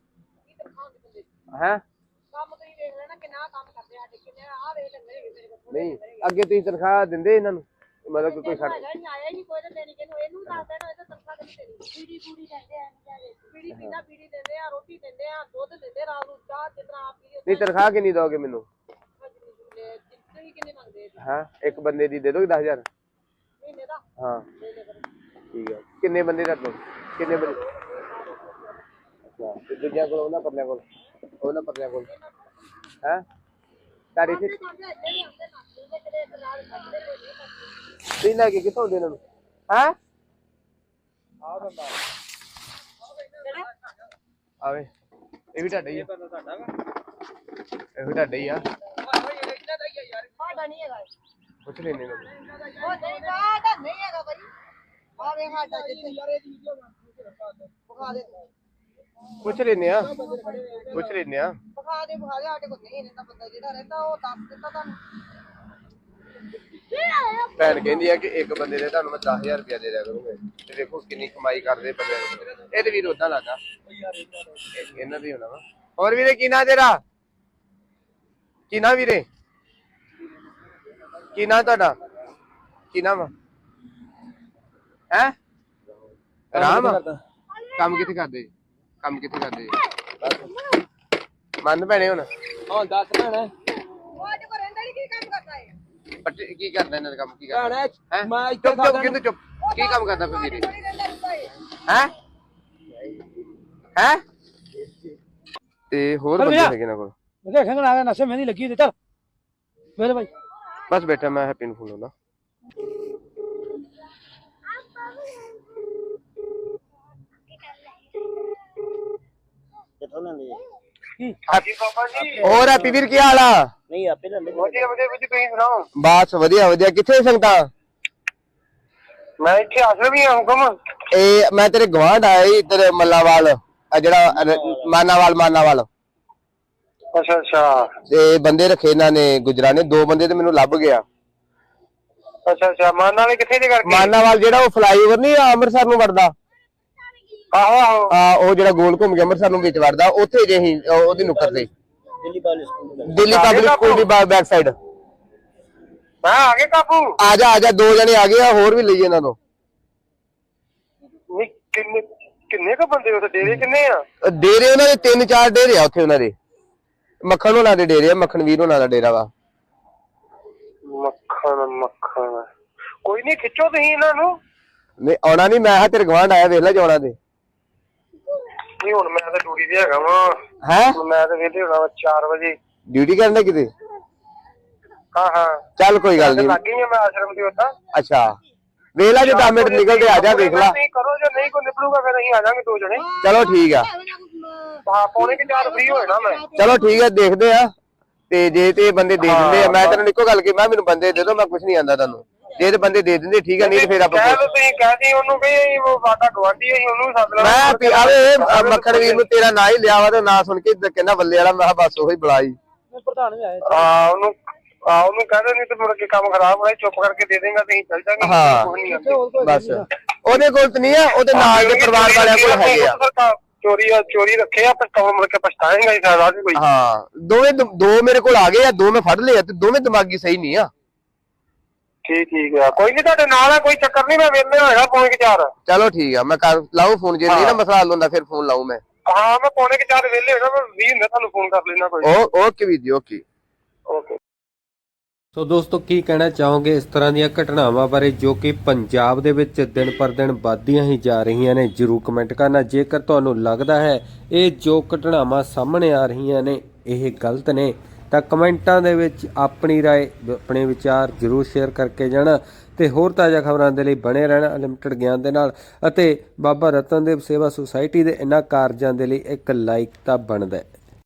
[SPEAKER 1] ਹੈ
[SPEAKER 4] ਕੰਮ ਤੁਸੀਂ ਵੇਖ ਲੈਣਾ ਕਿੰਨਾ ਕੰਮ ਕਰਦੇ ਆ ਸਾਡੇ ਕਿੰਨੇ ਆ ਵੇਖ ਲੈਂਦੇ ਮੇਰੇ ਕੋਲ
[SPEAKER 1] ਨਹੀਂ ਅੱਗੇ ਤੁਸੀਂ ਤਨਖਾਹ ਦਿੰਦੇ ਇਹਨਾਂ ਨੂੰ ਮਤਲਬ ਕਿ ਕੋਈ ਖੜ
[SPEAKER 4] ਆਇਆ ਹੀ ਨਹੀਂ ਕੋਈ ਤਾਂ ਦੇਣੀ ਕਿਨੂੰ ਇਹਨੂੰ ਦੱਸਦਾ ਨਾ ਇਹ ਤਨਖਾਹ ਨਹੀਂ ਦੇਣੀ
[SPEAKER 3] ਪੂਰੀ ਪੂਰੀ ਕਹਿੰਦੇ ਆ ਵਿਚਾਰੇ
[SPEAKER 4] ਪੀੜੀ ਪੀਣਾ ਪੀੜੀ ਦਿੰਦੇ ਆ ਰੋਟੀ ਦਿੰਦੇ ਆ ਦੁੱਧ ਦਿੰਦੇ ਰਾਤ ਨੂੰ ਚਾਹ ਜਿੰਨਾ ਆਪ ਪੀਓ
[SPEAKER 1] ਨਹੀਂ ਤਨਖਾਹ ਕਿੰਨੀ ਦੋਗੇ ਮੈਨੂੰ
[SPEAKER 4] ਤੁਸੀਂ ਕਿੰਨੇ ਮੰਗਦੇ
[SPEAKER 1] ਹਾਂ ਇੱਕ ਬੰਦੇ ਦੀ ਦੇ ਦੋਗੇ ਦਸ ਹਜ਼ਾਰ
[SPEAKER 4] ਮਹੀਨੇ ਦਾ
[SPEAKER 1] ਹਾਂ ਠੀਕ ਹੈ ਕਿੰਨੇ ਬੰਦੇ ਦਾ ਦੋ ਕਿੰਨੇ ਬੰਦੇ ਅੱਛਾ ਤੇ ਦੂਜਿਆਂ ਕੋਲ ਉਹਨਾਂ ਪਰਲਿਆਂ ਕੋਲ ਉਹਨਾਂ ਪਰਲਿਆਂ ਕੋਲ ਹੈ ਤੁਹਾਡੇ ਇੱਥੇ ਤੁਸੀਂ ਲੈ ਕੇ ਕਿੱਥੋਂ ਆਉਂਦੇ ਇਹਨਾਂ ਨੂੰ ਹੈ
[SPEAKER 5] ਆ ਬੰਦਾ
[SPEAKER 1] ਆਵੇ ਇਹ ਵੀ ਤੁਹਾਡਾ ਹੀ ਆ
[SPEAKER 5] ਬੰਦਾ ਤੁਹਾਡਾ ਵਾ
[SPEAKER 1] ਇਹ ਵੀ ਤੁਹਾਡਾ ਹੀ ਆ
[SPEAKER 4] ਸਾਡਾ ਨਹੀਂ ਹੈਗਾ
[SPEAKER 1] ਪੁੱਛ ਲੈਣੇ ਨੇ
[SPEAKER 4] ਉਹ ਨਹੀਂ ਸਾਡਾ ਨਹੀਂ ਹੈਗਾ ਭਾਈ ਆ ਵੇ ਸਾਡਾ ਜਿੱਥੇ ਬੁਖਾ ਦੇ
[SPEAKER 1] ਪੁੱਛ ਲੈਣੇ ਆ ਪੁੱਛ ਲੈਣੇ ਆ
[SPEAKER 4] ਬੁਖਾ ਦੇ ਬੁਖਾ ਦੇ ਸਾਡੇ ਕੋਲ ਨਹੀਂ ਰਹਿੰਦਾ ਬੰਦਾ ਜਿਹੜਾ ਰਹਿੰਦਾ ਉਹ ਦੱਸ ਦਿੱਤਾ ਤੁਹਾਨੂੰ
[SPEAKER 1] ਭੈਣ ਕਹਿੰਦੀ ਆ ਕਿ ਇੱਕ ਬੰਦੇ ਦੇ ਤੁਹਾਨੂੰ ਮੈਂ ਦਸ ਹਜ਼ਾਰ ਰੁਪਇਆ ਦੇ ਦਿਆ ਕਰੂੰਗਾ ਤੇ ਦੇਖੋ ਕਿੰਨੀ ਕਮਾਈ ਕਰਦੇ ਬੰਦੇ ਇਹ ਤੇ ਵੀਰ ਉਦਾਂ ਲੱਗਾ ਇਹਨਾਂ ਦੀ ਹੋਣਾ ਵਾ ਹੋਰ ਵੀਰੇ ਕੀ ਨਾਂ ਤੇਰਾ ਕੀ ਨਾਂ ਵੀਰੇ ਕੀ ਨਾਂ ਤੁਹਾਡਾ ਕੀ ਨਾਮ ਹੈ ਰਾਮ ਕੰਮ ਕਿੱਥੇ ਕਰਦੇ ਜੀ? ਕੰਮ ਕਿੱਥੇ ਕਰਦੇ ਜੀ? ਮੰਨ ਭੈਣੇ ਹੁਣ
[SPEAKER 5] ਹਾਂ ਦੱਸ ਭੈਣਾ
[SPEAKER 4] ਉਹ ਅੱਜ ਕੋ ਰਹਿੰਦਾ ਨਹੀਂ ਕੀ ਕੰਮ ਕਰਦਾ ਹੈ
[SPEAKER 1] ਪੱਟੇ ਕੀ ਕਰਦਾ ਇਹਨਾਂ ਦਾ ਕੰਮ ਕੀ ਕਰਦਾ
[SPEAKER 5] ਭੈਣਾ
[SPEAKER 1] ਹੈਂ?
[SPEAKER 5] ਮੈਂ ਇੱਥੇ
[SPEAKER 1] ਚੁੱਪ ਚੁੱਪ ਕਿੰਦੂ ਚੁੱਪ ਕੀ ਕੰਮ ਕਰਦਾ ਫਿਰ ਵੀਰੇ
[SPEAKER 4] ਨਹੀਂ ਰਹਿੰਦਾ ਹੁੰਦਾ
[SPEAKER 1] ਹੈ
[SPEAKER 4] ਹੈ
[SPEAKER 1] ਹੈ ਤੇ ਹੋਰ ਬੰਦੇ ਹੈਗੇ ਨਾ ਕੋਲ
[SPEAKER 5] ਮੈਂ ਦੇਖਾਂਗਾ ਨਾ ਨਸ਼ੇ ਮਹਿੰਦੀ ਲੱਗੀ ਤੇ ਚੱਲ ਮੇਰੇ ਭਾਈ
[SPEAKER 1] ਬਸ ਬੈਠਾ ਮੈਂ ਹੈਪੀ ਨੂੰ ਫੋਨ ਲਾਉਣਾ
[SPEAKER 6] ਕਿੱਥੋਂ ਲੈਂਦੇ
[SPEAKER 5] ਕੀ
[SPEAKER 1] ਹੋਰ ਹੈਪੀ ਵੀਰ ਕੀ ਹਾਲ ਆ
[SPEAKER 6] ਨਹੀਂ ਆਪੇ ਲੈਂਦੇ
[SPEAKER 1] ਵਧੀਆ ਵਧੀਆ ਵਿੱਚ ਤੁਸੀਂ ਸੁਣਾਓ ਬਸ ਵਧੀਆ ਵਧੀਆ ਕਿੱਥੇ ਸੰਗਤਾਂ ਮੈਂ ਇੱਥੇ ਆਸਰ ਵੀ ਹੁਕਮ ਇਹ ਮੈਂ ਤੇਰੇ ਗਵਾਂਢ ਆਇਆ ਸੀ ਤੇਰੇ ਮੱਲਾਵਾਲ ਆ ਜਿਹੜਾ ਰ- ਮਾਨਾਵਾਲ ਮਾਨਾਵਾਲ
[SPEAKER 6] ਅੱਛਾ ਅੱਛਾ
[SPEAKER 1] ਤੇ ਬੰਦੇ ਰੱਖੇ ਇਹਨਾਂ ਨੇ ਗੁਜਰਾਂ ਨੇ, ਦੋ ਬੰਦੇ ਤੇ ਮੈਨੂੰ ਲੱਭ ਗਿਆ।
[SPEAKER 6] ਅੱਛਾ ਅੱਛਾ ਮਾਨ ਵਾਲੇ ਕਿੱਥੇ ਦੇ ਕਰਕੇ?
[SPEAKER 1] ਮਾਨਾਵਾਲ ਜਿਹੜਾ ਉਹ ਫਲਾਈਓਵਰ ਨਹੀਂ ਆ ਅੰਮ੍ਰਿਤਸਰ ਨੂੰ ਵੜਦਾ,
[SPEAKER 6] ਆਹੋ ਆਹੋ
[SPEAKER 1] ਆ ਉਹ ਜਿਹੜਾ ਗੋਲ ਘੁੰਮ ਕੇ ਅੰਮ੍ਰਿਤਸਰ ਨੂੰ ਵਿੱਚ ਵੜਦਾ, ਉੱਥੇ ਜੇ ਅਸੀਂ ਉਹਦੀ ਨੁੱਕਰ ਤੇ ਦਿੱਲੀ ਪਬਲਿਕ ਸਕੂਲ ਦੀ ਬੈਕ ਸਾਈਡ।
[SPEAKER 6] ਮੈਂ ਆ ਗਏ ਕਾਬੂ।
[SPEAKER 1] ਆ ਜਾ ਆ ਜਾ, ਦੋ ਜਣੇ ਆ ਗਏ ਆ, ਹੋਰ ਵੀ ਲਈਏ ਇਹਨਾਂ ਤੋਂ।
[SPEAKER 6] ਨਹੀਂ ਕਿੰਨੇ ਕਿੰਨੇ ਕ ਬੰਦੇ ਉੱਥੇ ਡੇਰੇ ਕਿੰਨੇ ਆ?
[SPEAKER 1] ਡੇਰੇ ਉਹਨਾਂ ਦੇ ਤਿੰਨ ਚਾਰ ਡੇਰੇ ਆ ਉੱਥੇ ਉਹਨਾਂ ਦੇ। ਮੱਖਣ ਹੋਣਾ ਦੇ ਡੇਰੇ ਆ, ਮੱਖਣ ਵੀਰ ਹੋਣਾ ਦਾ ਡੇਰਾ ਵਾ।
[SPEAKER 6] ਮੱਖਣ ਮੱਖਣ ਕੋਈ ਨਹੀਂ, ਖਿੱਚੋ ਤੁਸੀਂ ਇਹਨਾਂ ਨੂੰ।
[SPEAKER 1] ਨਹੀਂ ਆਉਣਾ ਨਹੀਂ, ਮੈਂ ਹਾਂ ਤੇਰੇ ਗਵਾਂਢ ਆਇਆ, ਵੇਖ ਲੈ ਜਾਣਾ ਤੇ।
[SPEAKER 6] ਨਹੀਂ ਹੁਣ ਮੈਂ ਤਾਂ ਡਿਊਟੀ ਤੇ ਹੈਗਾ ਵਾ।
[SPEAKER 1] ਹੈ
[SPEAKER 6] ਮੈਂ ਤਾਂ ਵੇਲੇ ਹੋਣਾ ਵਾ ਚਾਰ ਵਜੇ।
[SPEAKER 1] ਡਿਊਟੀ ਕਰਨਾ ਕਿਤੇ?
[SPEAKER 6] ਹਾਂ ਹਾਂ
[SPEAKER 1] ਚੱਲ ਕੋਈ ਗੱਲ ਨਹੀਂ।
[SPEAKER 6] ਲੱਗ ਗਈ ਆ ਮੈਂ ਆਸ਼ਰਮ ਦੇ ਉੱਤਾ।
[SPEAKER 1] ਅੱਛਾ ਵੇਖ ਲੈ, ਜੇ ਦਸ ਮਿੰਟ ਨਿਕਲਦੇ ਆ ਜਾ, ਵੇਖ ਲੈ।
[SPEAKER 6] ਨਹੀਂ ਕਰੋ, ਜੇ ਨਹੀਂ ਕੋਈ ਨਿਕਲੂਗਾ ਫਿਰ ਅਸੀਂ ਆ ਜਾਾਂਗੇ ਦੋ ਜਣੇ।
[SPEAKER 1] ਚਲੋ ਠੀਕ ਆ,
[SPEAKER 6] ਹਾਂ ਪੌਣੇ ਕਿ ਚਾਰ ਫ੍ਰੀ ਹੋਏ ਨਾ ਮੈਂ।
[SPEAKER 1] ਚਲੋ ਠੀਕ ਆ, ਦੇਖਦੇ ਆ। ਤੇ ਜੇ ਤੇ ਬੰਦੇ ਦੇ ਦਿੰਦੇ ਆ, ਮੈਂ ਤੈਨੂੰ ਇੱਕੋ ਗੱਲ ਕੀ, ਮੈਂ ਮੈਨੂੰ ਬੰਦੇ ਦੇ ਦੋ, ਮੈਂ ਕੁਝ ਨਹੀਂ ਆਂਦਾ ਤੁਹਾਨੂੰ। ਜੇ ਤੇ ਬੰਦੇ ਦੇ ਦਿੰਦੇ ਠੀਕ ਆ, ਨਹੀਂ ਤੇ ਫਿਰ ਆਪਾਂ
[SPEAKER 6] ਕਹਿ ਦੋ, ਤੁਸੀਂ ਕਹਿ ਦੀ ਉਹਨੂੰ ਵੀ ਉਹ ਸਾਡਾ ਗਵਾਂਢੀ ਅਸੀਂ ਉਹਨੂੰ ਸੱਦ ਲੈਣਾ।
[SPEAKER 1] ਮੈਂ ਆਵੇ ਮੱਖਣ ਵੀਰ ਨੂੰ ਤੇਰਾ ਨਾਂ ਹੀ ਲਿਆ ਵਾ ਤੇ ਨਾਂ ਸੁਣ ਕੇ ਕਹਿੰਦਾ ਬੱਲੇ ਵਾਲਾ, ਮੈਂ ਬਸ ਉਹੀ ਬੁਲਾਈ।
[SPEAKER 5] ਪ੍ਰਧਾਨ ਵੀ ਆਏ।
[SPEAKER 6] ਹਾਂ ਉਹਨੂੰ ਆ ਉਹਨੂੰ ਕਹਿ ਦੇ, ਨਹੀਂ ਤੇ ਮੁੜ ਕੇ ਕੰਮ ਖਰਾਬ ਹੋਇਆ, ਚੁੱਪ ਕਰਕੇ ਦੇ ਦੇਗਾ ਤੇ ਅਸੀਂ ਚੱਲ ਜਾਾਂਗੇ।
[SPEAKER 1] ਹਾਂ ਬਸ ਉਹਦੇ ਕੋਲ ਤੇ ਨਹੀਂ ਆ, ਉਹਦੇ ਨਾਲ ਦੇ ਪਰਿਵਾਰ ਵਾਲਿਆਂ ਕੋਲ ਹੈਗੇ ਆ।
[SPEAKER 6] ਚੋਰੀ ਆ ਚੋਰੀ ਰੱਖੇ ਆ, ਪਰ ਮੁੜ ਕੇ ਪਛਤਾਏਗਾ ਹੀ ਸਾਰਾ ਵੀ ਕੋਈ।
[SPEAKER 1] ਹਾਂ ਦੋਵੇਂ ਦੋ ਮੇਰੇ ਕੋਲ ਆ ਗਏ ਆ, ਦੋ ਮੈਂ ਫੜ ਲਏ ਆ ਤੇ ਦੋਵੇਂ ਦਿਮਾਗੀ ਸਹੀ ਨਹੀਂ ਆ।
[SPEAKER 6] ਠੀਕ ਠੀਕ ਆ, ਕੋਈ ਨਹੀਂ ਤੁਹਾਡੇ ਨਾਲ ਆ, ਕੋਈ ਚੱਕਰ ਨਹੀਂ, ਮੈਂ ਵੇਲੇ ਹੋਏਗਾ ਪੌਣੇ ਕਿ ਚਾਰ।
[SPEAKER 1] ਚਲੋ ਠੀਕ ਆ, ਮੈਂ ਕਰ ਲਾਉ ਫੋਨ, ਜੇ ਨਹੀਂ ਨਾ ਮਸਲਾ ਹੱਲ ਹੁੰਦਾ ਫਿਰ ਫੋਨ ਲਾਉ ਮੈਂ।
[SPEAKER 6] ਹਾਂ ਮੈਂ ਪੌਣੇ ਕਿ ਚਾਰ ਵੇਲੇ ਹੋਣਾ, ਮੈਂ ਵੀਹ ਹੁੰਦਾ ਤੁਹਾਨੂੰ ਫੋਨ ਕਰ ਲੈਣਾ ਕੋਈ।
[SPEAKER 1] ਓ ਓਕੇ ਵੀਰ ਜੀ, ਓਕੇ
[SPEAKER 6] ਓਕੇ।
[SPEAKER 7] ਸੋ ਦੋਸਤੋ ਕੀ ਕਹਿਣਾ ਚਾਹੋਗੇ ਇਸ ਤਰ੍ਹਾਂ ਦੀਆਂ ਘਟਨਾਵਾਂ ਬਾਰੇ ਜੋ ਕਿ ਪੰਜਾਬ ਦੇ ਵਿੱਚ ਦਿਨ ਪਰ ਦਿਨ ਵੱਧਦੀਆਂ ਹੀ ਜਾ ਰਹੀਆਂ ਨੇ? ਜਰੂਰ ਕਮੈਂਟ ਕਰਨਾ। ਜੇਕਰ ਤੁਹਾਨੂੰ ਲੱਗਦਾ ਹੈ ਇਹ ਜੋ ਘਟਨਾਵਾਂ ਸਾਹਮਣੇ ਆ ਰਹੀਆਂ ਨੇ ਇਹ ਗਲਤ ਨੇ ਤਾਂ ਕਮੈਂਟਾਂ ਦੇ ਵਿੱਚ ਆਪਣੀ ਰਾਏ, ਆਪਣੇ ਵਿਚਾਰ ਜ਼ਰੂਰ ਸ਼ੇਅਰ ਕਰਕੇ ਜਾਣਾ। ਤੇ ਹੋਰ ਤਾਜ਼ਾ ਖਬਰਾਂ ਦੇ ਲਈ ਬਣੇ ਰਹਿਣਾ ਅਨਲਿਮਟਿਡ ਗਿਆਨ ਦੇ ਨਾਲ, ਅਤੇ ਬਾਬਾ ਰਤਨ ਦੇਵ ਸੇਵਾ ਸੁਸਾਇਟੀ ਦੇ ਇਹਨਾਂ ਕਾਰਜਾਂ ਦੇ ਲਈ ਇੱਕ ਲਾਈਕ ਤਾਂ ਬਣਦਾ ਹੈ।